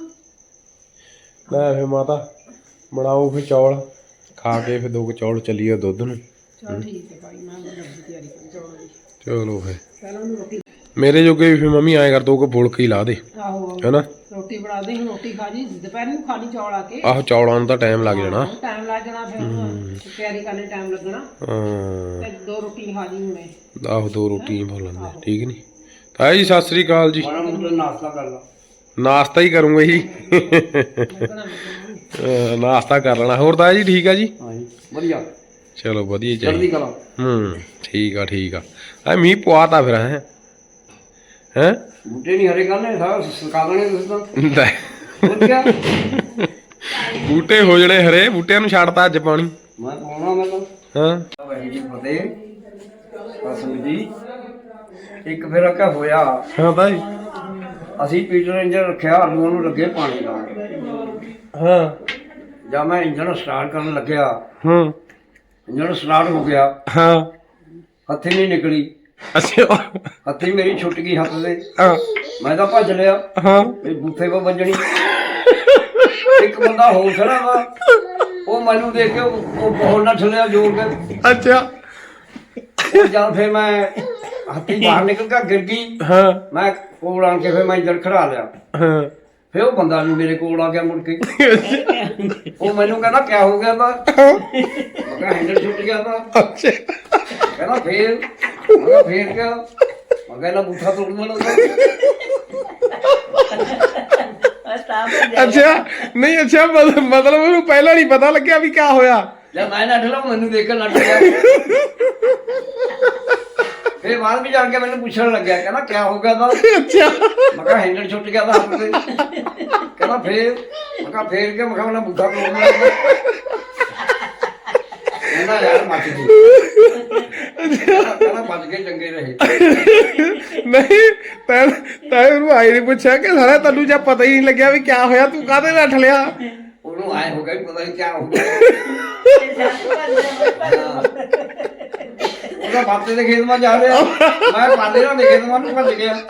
Speaker 1: ਲੈ ਫੇ ਮਾਤਾ ਬਣਾਓ ਫੇ ਚੌਲ ਖਾ ਕੇ ਫੇ 2 ਚੌਲ ਚੱਲੀਏ ਦੁੱਧ ਨੂੰ
Speaker 6: ਚਲ ਠੀਕ ਹੈ ਭਾਈ ਮੈਂ ਲੱਗੀ ਤਿਆਰੀ ਕਰਨ ਚੌਲਾਂ ਦੀ
Speaker 1: ਚਲੋ ਫੇ
Speaker 6: ਪਹਿਲਾਂ ਉਹਨੂੰ ਰੋਟੀ
Speaker 1: ਮੇਰੇ ਜੋਗੇ ਵੀ ਫੇ ਮੰਮੀ ਐਂ ਕਰ 2 ਫੁਲਕੇ ਹੀ ਲਾ ਦੇ
Speaker 6: ਆਹੋ
Speaker 1: ਹੈਨਾ
Speaker 6: ਰੋਟੀ ਬਣਾ ਦੇ ਹੁਣ ਰੋਟੀ ਖਾ ਜੀ ਦੁਪਹਿਰ ਨੂੰ ਖਾ ਲਈ ਚੌਲ ਆ ਕੇ
Speaker 1: ਆਹੋ ਚੌਲਾਂ ਨੂੰ ਤਾਂ ਟਾਈਮ ਲੱਗ ਜਾਣਾ
Speaker 6: ਟਾਈਮ ਲੱਗ ਜਾਣਾ ਫਿਰ ਤਿਆਰੀ ਕਰਨੇ ਟਾਈਮ ਲੱਗਣਾ
Speaker 1: ਹਾਂ
Speaker 6: ਤੇ 2 ਰੋਟੀ ਖਾ ਜੀ ਹੁਣੇ
Speaker 1: ਆਹੋ 2 ਰੋਟੀਆਂ ਖਾ ਲੈਂਦੇ ਠੀਕ ਨਹੀਂ ਤਾਈ ਜੀ ਸਤਿ ਸ੍ਰੀ ਅਕਾਲ ਜੀ
Speaker 2: ਨਾਸ਼ਤਾ ਕਰ ਲਾ
Speaker 1: ਨਾਸ਼ਤਾ ਹੀ ਕਰੂੰਗਾ ਜੀ ਨਾਸ਼ਤਾ ਕਰ ਲੈਣਾ ਹੋਰ ਤਾਇਆ ਜੀ ਠੀਕ ਆ ਜੀ
Speaker 2: ਹਾਂਜੀ ਵਧੀਆ
Speaker 1: ਚਲੋ ਵਧੀਆ
Speaker 2: ਜਲਦੀ
Speaker 1: ਚਾਹੀਦਾ
Speaker 2: ਕਰਾਂ
Speaker 1: ਠੀਕ ਆ ਆ ਮੀਂਹ ਪਵਾਤਾ ਫਿਰ ਹੈ
Speaker 2: ਬੂਟੇ ਨਹੀਂ ਹਰੇ ਕਰਨੇ ਸਾਰਾ ਸੁਕਾ ਦੇਣੇ ਤੁਸੀਂ ਤਾਂ ਵਧੀਆ
Speaker 1: ਬੂਟੇ ਹੋ ਜਣੇ ਹਰੇ ਬੂਟਿਆਂ ਨੂੰ ਛੱਡਤਾ ਅੱਜ ਪਾਣੀ
Speaker 2: ਮੈਂ ਪਾਉਣਾ ਮੈਂ ਤਾਂ
Speaker 1: ਹਾਂ
Speaker 2: ਵਾਹਿਗੁਰੂ ਜੀ ਫਤਿਹ ਅਸੂ ਜੀ ਇੱਕ ਫਿਰ ਆ ਹੋਇਆ
Speaker 1: ਹਾਂ ਤਾਈ
Speaker 2: ਅਸੀਂ ਪੀਟਰ ਇੰਜਨ ਰੱਖਿਆ ਆਲੂਆਂ ਨੂੰ ਲੱਗੇ ਪਾਣੀ ਲਾਉਣ
Speaker 1: ਹਾਂ
Speaker 2: ਜਦ ਮੈਂ ਇੰਜਨ ਸਟਾਰਟ ਕਰਨ ਲੱਗਿਆ
Speaker 1: ਹਾਂ
Speaker 2: ਇੰਜਨ ਸਟਾਰਟ ਹੋ ਗਿਆ
Speaker 1: ਹਾਂ
Speaker 2: ਹੱਥ ਨਹੀਂ ਨਿਕਲੀ
Speaker 1: ਅੱਛਾ
Speaker 7: ਹੱਥੀ ਮੇਰੀ ਛੁੱਟ ਗਈ ਹੱਥ ਦੇ।
Speaker 1: ਹਾਂ
Speaker 7: ਮੈਂ ਤਾਂ ਭੱਜ ਲਿਆ,
Speaker 1: ਹਾਂ
Speaker 7: ਇਹ ਬੂਥੇ 'ਤੇ ਵੱਜਣੀ। ਇੱਕ ਬੰਦਾ ਹੋਰ ਖੜਾ ਵਾ, ਉਹ ਮੈਨੂੰ ਦੇਖ ਕੇ ਉਹ ਬੋਲ ਨਾ ਛੱਲਿਆ ਜੋਰ ਕੇ।
Speaker 1: ਅੱਛਾ
Speaker 7: ਉਹ ਜਦ ਫਿਰ ਮੈਂ ਹੱਥੀ ਬਾਹਰ ਨਿਕਲ ਕੇ ਗਿਰ ਗਈ।
Speaker 1: ਹਾਂ
Speaker 7: ਮੈਂ ਕੋਲ ਆਣ ਕੇ ਫਿਰ ਮੈਂ ਇੱਧਰ ਖੜਾ ਲਿਆ।
Speaker 1: ਹਾਂ
Speaker 7: ਫਿਰ ਉਹ ਬੰਦਾ ਵੀ ਮੇਰੇ ਕੋਲ ਆ ਗਿਆ ਮੁੜ ਕੇ। ਉਹ ਮੈਨੂੰ ਕਹਿੰਦਾ ਕਿਆ ਹੋ ਗਿਆ ਤਾ? ਮੈਂ ਕਿਹਾ ਹੈਂਡਲ ਛੁੱਟ ਗਿਆ ਤਾ।
Speaker 1: ਅੱਛਾ
Speaker 7: ਕਹਿੰਦਾ ਫੇਰ? ਮੈਂ ਕਿਹਾ ਫੇਰ ਕਿਆ? ਮੈਂ ਕਿਹਾ ਇਹਨਾਂ ਬੂਥਾ ਤੋੜ ਦੇਣਾ।
Speaker 1: ਅੱਛਾ ਨਹੀਂ ਅੱਛਾ ਮਤਲਬ ਉਹਨੂੰ ਪਹਿਲਾਂ ਨਹੀਂ ਪਤਾ ਲੱਗਿਆ ਵੀ ਕਿਆ ਹੋਇਆ।
Speaker 7: ਜਦ ਮੈਂ ਨੱਠ ਲਾ ਮੈਨੂੰ ਦੇਖ ਕੇ ਨੱਠ ਗਿਆ। ਫਿਰ ਬਾਅਦ ਵਿੱਚ ਜਾਣ ਕੇ ਮੈਨੂੰ ਪੁੱਛਣ ਲੱਗਿਆ, ਕਹਿੰਦਾ ਕਿਆ ਹੋ ਗਿਆ ਤਾ?
Speaker 1: ਅੱਛਾ
Speaker 7: ਮੈਂ ਕਿਹਾ ਹੈਂਡਲ ਛੁੱਟ ਗਿਆ ਤਾ ਹੱਥ ਤੇ। ਕਹਿੰਦਾ ਫੇਰ? ਮੈਂ ਕਿਹਾ ਫੇਰ ਕਿ? ਮੈਂ ਕਿਹਾ ਉਹਨਾਂ ਬੂਥਾ ਤੋੜ ਦੇਣਾ। ਕਹਿੰਦਾ ਯਾਰ ਮੱਚ ਗਈ। ਕਹਿੰਦਾ ਬਚ ਕੇ ਚੰਗੇ ਰਹੇ।
Speaker 1: ਨਹੀਂ ਤੈਂ ਉਹਨੂੰ ਆਈ ਨਹੀਂ ਪੁੱਛਿਆ ਕਿ ਸਾਰਾ ਤੈਨੂੰ ਜਾਂ ਪਤਾ ਹੀ ਨਹੀਂ ਲੱਗਿਆ ਵੀ ਕਿਆ ਹੋਇਆ, ਤੂੰ ਕਾਹਦੇ ਨੱਠ ਲਿਆ?
Speaker 7: ਉਹਨੂੰ ਆਏ ਹੋ ਗਿਆ ਵੀ ਪਤਾ ਨਹੀਂ ਕਿਆ ਹੋ ਗਿਆ। ਉਹਦਾ ਬਾਤੇ ਦੇ ਖੇਤ ਮਾ ਜਾ ਰਿਹਾ, ਮੈਂ ਪਾਦੇ ਨਾਲ ਦੇ ਖੇਤ ਮਾ ਨੂੰ ਭੱਜ ਗਿਆ।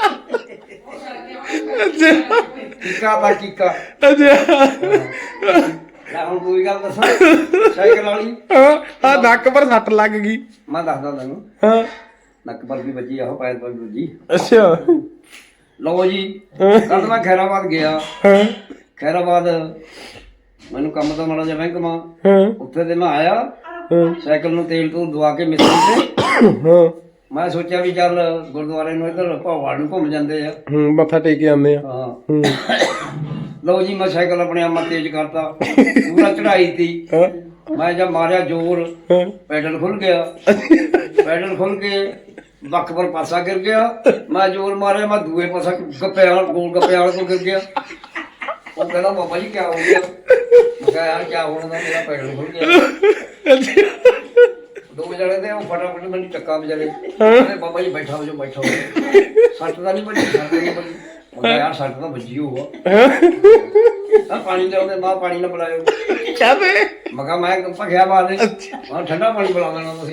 Speaker 1: ਅੱਛਾ
Speaker 7: ਕੀਕਾ ਤਾਂ ਕੀਕਾ।
Speaker 1: ਅੱਛਾ
Speaker 7: ਲੈ ਹੁਣ ਕੋਈ ਗੱਲ ਦੱਸਾਂ ਸਾਈਕਲ ਵਾਲੀ।
Speaker 1: ਹਾਂ ਨੱਕ ਪਰ ਸੱਟ ਲੱਗ ਗਈ।
Speaker 7: ਮੈਂ ਦੱਸਦਾ ਤੈਨੂੰ,
Speaker 1: ਹਾਂ
Speaker 7: ਨੱਕ ਪਰ ਵੀ ਵੱਜੀ, ਆਹੋ ਪੈਰ ਪਰ ਵੀ ਵੱਜੀ।
Speaker 1: ਅੱਛਾ
Speaker 7: ਲਓ ਜੀ, ਕੱਲ ਮੈਂ ਖੈਰਾਬਾਦ ਗਿਆ।
Speaker 1: ਹਾਂ
Speaker 7: ਖੈਰਾਬਾਦ ਮੈਨੂੰ ਕੰਮ ਤਾਂ ਮਾੜਾ ਜਿਹਾ ਬੈਂਕ ਮਾ।
Speaker 1: ਹਾਂ
Speaker 7: ਉੱਥੇ ਤੇ ਮੈਂ ਆਇਆ,
Speaker 1: ਹਾਂ
Speaker 7: ਸਾਈਕਲ ਨੂੰ ਤੇਲ ਤੋਂ ਦਵਾ ਕੇ ਮਿਸਤਰੀ ਤੇ।
Speaker 1: ਹਾਂ
Speaker 7: ਮੈਂ ਸੋਚਿਆ ਵੀ ਚੱਲ ਗੁਰਦੁਆਰੇ ਨੂੰ ਇੱਧਰ ਭਾਵਾੜ ਨੂੰ ਘੁੰਮ ਜਾਂਦੇ ਆ।
Speaker 1: ਮੱਥਾ ਟੇਕ ਕੇ ਆਉਂਦੇ ਆ।
Speaker 7: ਹਾਂ ਲਓ ਜੀ, ਮੈਂ ਸਾਈਕਲ ਆਪਣੇ ਆਪ ਤੇਜ਼ ਕਰਤਾ, ਪੂਰਾ ਚੜਾਈ ਤੀ। ਮੈਂ ਜਦ ਮਾਰਿਆ ਜ਼ੋਰ, ਪੈਡਲ ਖੁੱਲ ਗਿਆ। ਪੈਡਲ ਖੁੱਲ ਕੇ ਬੱਕ ਪਰ ਪਾਸਾ ਗਿਰ ਗਿਆ। ਮੈਂ ਜ਼ੋਰ ਮਾਰਿਆ, ਮੈਂ ਦੂਏ ਪਾਸਾ ਗੱਪਿਆਂ ਗੋਲ ਗੱਪਿਆਂ ਵਾਲੇ ਕੋਲ ਗਿਰ ਗਿਆ। ਉਹ ਕਹਿੰਦਾ ਬਾਬਾ ਜੀ ਕਿਆ ਹੋ ਗਿਆ? ਮੈਂ ਕਿਹਾ ਯਾਰ ਕਿਆ ਹੋਣਾ ਦਾ, ਮੇਰਾ ਪੈਡਲ ਖੁੱਲ ਗਿਆ। ਦੋ ਜਣੇ ਤੇ ਉਹ ਫਟਾਫਟ ਮੈਨੂੰ ਚੱਕਾ ਵਜਾਲੇ। ਕਹਿੰਦੇ ਬਾਬਾ ਜੀ ਬੈਠਾ ਹੋ ਜਾਓ, ਬੈਠਾ ਹੋ ਜਾਓ। ਸੱਟ ਤਾਂ ਨਹੀਂ ਵੱਜੀ, ਸੱਟ ਨਹੀਂ ਵੱਜੀ। ਮੈਂ ਕਿਹਾ ਯਾਰ ਸੱਟ ਤਾਂ ਵੱਜੀ ਹੋਊਗਾ। ਆ ਪਾਣੀ ਲਿਆਉਂਦੇ, ਮਾਂ ਪਾਣੀ ਨਾ ਪਿਲਾਇਓ।
Speaker 1: ਕਾਹਦੇ?
Speaker 7: ਮੈਂ ਕਿਹਾ ਮੈਂ ਭਖਿਆ ਬਾਹਰ ਦੇ, ਮੈਂ ਠੰਡਾ ਪਾਣੀ ਪਿਲਾ ਦੇਣਾ ਤੁਸੀਂ।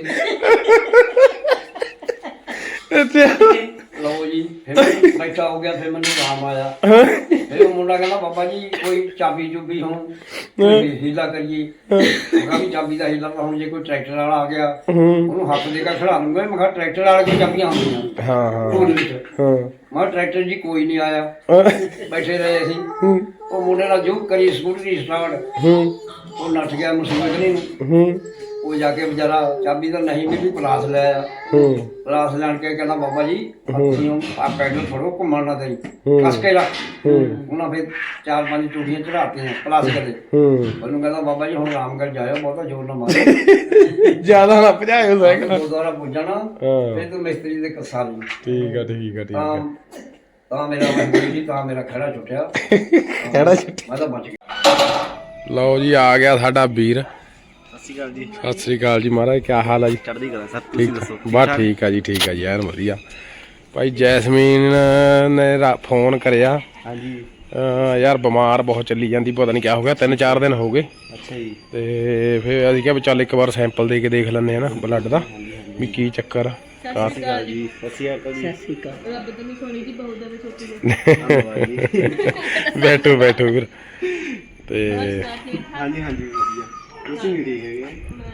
Speaker 1: ਅੱਛਾ
Speaker 7: ਲਓ ਜੀ, ਫਿਰ ਬੈਠਾ ਹੋ ਗਿਆ। ਫਿਰ ਮੈਨੂੰ ਆਰਾਮ ਆਇਆ। ਫਿਰ ਉਹ ਮੁੰਡਾ ਕਹਿੰਦਾ ਬਾਬਾ ਜੀ ਕੋਈ ਚਾਬੀ ਚੁਬੀ ਹੁਣ ਹੀਲਾ ਕਰੀਏ। ਮੈਂ ਕਿਹਾ ਵੀ ਚਾਬੀ ਦਾ ਹੀਲਾ ਤਾਂ ਹੁਣ ਜੇ ਕੋਈ ਟਰੈਕਟਰ ਵਾਲਾ ਆ ਗਿਆ ਉਹਨੂੰ ਹੱਥ ਦੇ ਕੇ ਖੜਾ ਲੂੰਗਾ। ਮੈਂ ਕਿਹਾ ਟਰੈਕਟਰ ਵਾਲੇ ਕੋਲ ਚਾਬੀਆਂ ਹੁੰਦੀਆਂ
Speaker 1: ਹਾਂ ਹਾਂ
Speaker 7: ਢੋਲ ਵਿੱਚ।
Speaker 1: ਹਾਂ
Speaker 7: ਮੈਂ ਕਿਹਾ ਟਰੈਕਟਰ ਜੀ ਕੋਈ ਨਹੀਂ ਆਇਆ। ਬੈਠੇ ਰਹੇ ਅਸੀਂ। ਉਹ ਮੁੰਡੇ ਨਾਲ ਜੋ ਕਰੀ ਸਕੂਟਰੀ ਸਟਾਰਟ, ਉਹ ਨੱਠ ਗਿਆ ਮੁਸੀਬਤ ਨੂੰ। ਉਹ ਜਾ ਕੇ ਵਿਚਾਰਾ ਚਾਬੀ ਤਾਂ ਨਹੀਂ ਮਿਲੀ, ਪਲਾਸ ਲੈ ਆਇਆ। ਪਲਾਸ ਲੈਣ ਕੇ ਕਹਿੰਦਾ ਬਾਬਾ ਜੀ ਤੁਸੀਂ ਆ ਪੈਡਲ ਫੜੋ, ਘੁੰਮਣ ਨਾ ਦੇਈ, ਕੱਸ ਕੇ ਰੱਖ। ਉਹਨਾਂ ਫਿਰ 4-5 ਟੂਟੀਆਂ ਚੜਾਤੀਆਂ ਪਲਾਸ ਕਦੇ। ਉਹਨੂੰ ਕਹਿੰਦਾ ਬਾਬਾ ਜੀ ਹੁਣ ਆਰਾਮ ਕਰ ਜਾਇਓ, ਬਹੁਤਾ ਜ਼ੋਰ ਨਾ ਮਾਰੋ,
Speaker 1: ਜਿਆਦਾ ਨਾ ਭਜਾਇਓ ਸਾਈਕਲ।
Speaker 7: ਗੁਰਦੁਆਰਾ ਪੁੱਜਣਾ ਫਿਰ ਤੂੰ ਮਿਸਤਰੀ ਦੇ ਕੱਸਾ ਲਈ।
Speaker 1: ਠੀਕ ਆ ਠੀਕ ਆ ਠੀਕ ਆ।
Speaker 7: ਤਾਂ ਮੇਰਾ ਮਜਬੂਰੀ ਸੀ, ਤਾਂ ਮੇਰਾ ਖੜਾ ਛੁੱਟਿਆ।
Speaker 1: ਕਿਹੜਾ ਛੁੱਟਿਆ?
Speaker 7: ਮੈਂ ਤਾਂ ਬਚ ਗਿਆ।
Speaker 1: ਲਓ ਜੀ ਆ ਗਿਆ ਸਾਡਾ ਵੀਰ।
Speaker 8: ਸਤਿ ਸ਼੍ਰੀ ਅਕਾਲ ਜੀ।
Speaker 1: ਸਤਿ ਸ੍ਰੀ ਅਕਾਲ ਜੀ ਮਹਾਰਾਜ, ਕੀ ਹਾਲ ਆ ਜੀ?
Speaker 8: ਚੜ੍ਹਦੀ ਕਲਾ ਸਰ, ਤੁਸੀਂ ਦੱਸੋ?
Speaker 1: ਬਸ ਠੀਕ ਆ ਜੀ, ਠੀਕ ਆ ਜੀ, ਐਨ ਵਧੀਆ। ਭਾਈ ਜੈਸਮੀਨ ਨੇ ਫੋਨ ਕਰਿਆ।
Speaker 8: ਹਾਂਜੀ
Speaker 1: ਯਾਰ ਬਿਮਾਰ ਬਹੁਤ ਚੱਲੀ ਜਾਂਦੀ, ਪਤਾ ਨਹੀਂ ਕਿਆ ਹੋ ਗਿਆ, 3-4 ਦਿਨ ਹੋ ਗਏ।
Speaker 8: ਅੱਛਾ ਜੀ।
Speaker 1: ਤੇ ਫਿਰ ਅਸੀਂ ਕਿਹਾ ਵੀ ਚੱਲ ਇੱਕ ਵਾਰ ਸੈਂਪਲ ਦੇ ਕੇ ਦੇਖ ਲੈਂਦੇ ਆ ਨਾ ਬਲੱਡ ਦਾ, ਵੀ ਕੀ ਚੱਕਰ ਆ।
Speaker 8: ਸਤਿ ਸ਼੍ਰੀ ਅਕਾਲ ਜੀ। ਸਤਿ ਸ਼੍ਰੀ ਅਕਾਲ ਜੀ।
Speaker 4: ਰੱਬ ਤੇ ਨਹੀਂ ਸੋਣੀ ਦੀ ਬਹੁਤ ਜ਼ਿਆਦਾ ਛੋਟੀ ਜਿਹੀ।
Speaker 1: ਬੈਠੋ ਬੈਠੋ ਵੀਰ। ਤੇ
Speaker 8: ਹਾਂਜੀ ਹਾਂਜੀ ਵਧੀਆ। ਤੁਸੀਂ ਵੀ ਠੀਕ ਹੈਗੇ?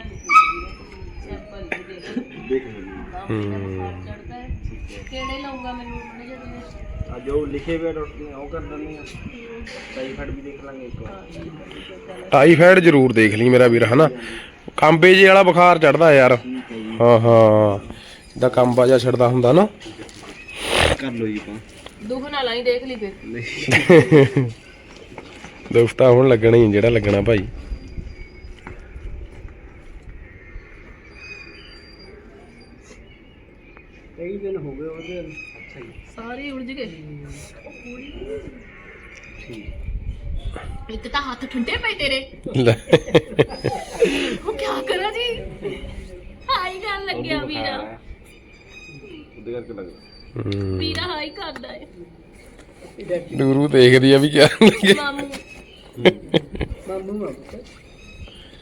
Speaker 8: ਦੇਖ
Speaker 4: ਕਿਹੜੇ ਲਾਉਂਗਾ ਮੈਨੂੰ ਜਿਹੜੇ
Speaker 8: ਅੱਜ ਉਹ ਲਿਖੇ ਹੋਏ ਡਾਕਟਰ ਨੇ ਉਹ ਕਰ ਦਿੰਦੇ ਆ। ਟਾਈਫਾਈਡ ਵੀ ਦੇਖ ਲਾਂਗੇ ਇੱਕ ਵਾਰ।
Speaker 1: ਟਾਈਫਾਈਡ ਜ਼ਰੂਰ ਦੇਖ ਲਈ ਮੇਰਾ ਵੀਰ, ਹਨਾ। ਕਾਂਬੇ ਜੇ ਵਾਲਾ ਬੁਖਾਰ ਚੜਦਾ ਯਾਰ। ਹਾਂ ਹਾਂ ਜਿੱਦਾਂ ਕਾਂਬਾ ਜਿਹਾ ਛੱਡਦਾ ਹੁੰਦਾ ਨਾ।
Speaker 8: ਕਰ ਲਓ ਜੀ ਆਪਾਂ।
Speaker 4: ਦੁੱਖ ਨਾਲ ਆਈ ਦੇਖ ਲਈ ਫਿਰ।
Speaker 1: ਦੁੱਖ ਤਾਂ ਹੁਣ ਲੱਗਣਾ ਹੀ, ਜਿਹੜਾ ਲੱਗਣਾ ਭਾਈ।
Speaker 8: ਕਈ ਦਿਨ ਹੋ ਗਏ ਉਹਦੇ। ਅੱਛਾ ਜੀ।
Speaker 4: ਸਾਰੇ ਉਲਝ ਗਏ।
Speaker 8: ਠੀਕ।
Speaker 4: ਇੱਕ ਤਾਂ ਹੱਥ ਠੰਡੇ ਪਏ ਤੇਰੇ।
Speaker 1: ਲੈ।
Speaker 4: ਉਹ ਕੀ ਕਰਾਂ ਜੀ? ਹਾਈ ਕਰਨ ਲੱਗਿਆ ਵੀਰਾ।
Speaker 8: ਉਹਦੇ ਕਰਕੇ ਲੱਗਦਾ।
Speaker 4: ਵੀਰਾ ਹਾਈ ਕਰਦਾ ਹੈ।
Speaker 1: ਨੂਰੂ ਦੇਖਦੀ ਆ ਵੀ ਕਿਆ ਲੱਗੇ।
Speaker 4: ਮਾਮੂ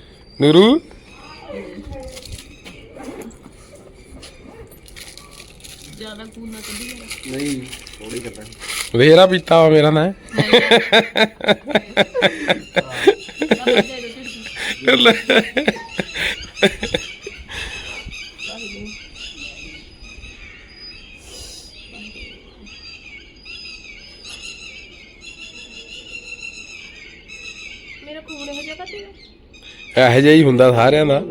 Speaker 1: ਨੂਰੂ
Speaker 4: ਜ਼ਿਆਦਾ ਖੂਨ ਨਾ ਕੱਢੀ ਜਾਣਾ।
Speaker 8: ਨਹੀਂ ਥੋੜੀ ਕਰਦਾ
Speaker 1: ਵੇਰਾ ਪੀਤਾ ਵਾ ਮੇਰਾ ਨਾ
Speaker 4: ਮੇਰਾ ਖੂਨ ਇਹੋ ਜਿਹਾ ਕੱਢੀ
Speaker 1: ਇਹੋ ਜਿਹਾ ਹੀ ਹੁੰਦਾ ਸਾਰਿਆਂ ਦਾ।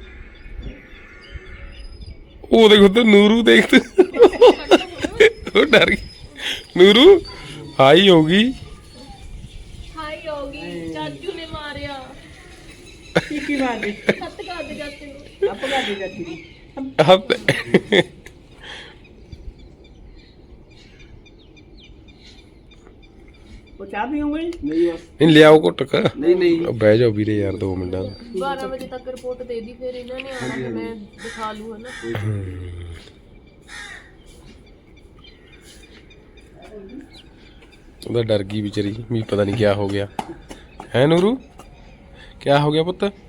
Speaker 1: ਉਹ ਦੇਖ ਉੱਧਰ ਨੂਰੂ ਦੇਖ ਤੂੰ, ਉਹ ਡਰ ਗਈ ਨੂਰੂ। ਹਾਈ ਹੋ ਗਈ।
Speaker 4: ਹਾਈ ਹੋ ਗਈ, ਚਾਚੂ ਨੇ ਮਾਰਿਆ।
Speaker 2: ਕੀ ਮਾਰਦੀ
Speaker 4: ਹੱਥ ਕਾਟ ਜਾਂਦੇ
Speaker 2: ਆਪ ਗਾ ਦੇ ਜਾਂਦੀ ਉਹ ਚਾਹ ਪੀਉਂਗੇ?
Speaker 8: ਨਹੀਂ ਬਸ
Speaker 1: ਨਹੀਂ ਲਿਆਓ ਘੁੱਟਕ।
Speaker 8: ਨਹੀਂ ਨਹੀਂ
Speaker 1: ਬਹਿ ਜਾਓ ਵੀਰੇ ਯਾਰ 2 ਮਿੰਟਾਂ ਦਾ।
Speaker 4: 12 ਵਜੇ ਤੱਕ ਰਿਪੋਰਟ ਦੇ ਦੀ, ਫਿਰ ਇਹਨਾਂ ਨੇ ਆਣਾ ਤੇ ਮੈਂ ਦਿਖਾ ਲੂ ਹਨਾ।
Speaker 1: ਉਹਦਾ ਡਰ ਗਈ ਵਿਚਾਰੀ ਵੀ ਪਤਾ ਨਹੀਂ ਕਿਆ ਹੋ ਗਿਆ ਹੈ ਨੂਰੂ। ਕਿਆ ਹੋ ਗਿਆ ਪੁੱਤ?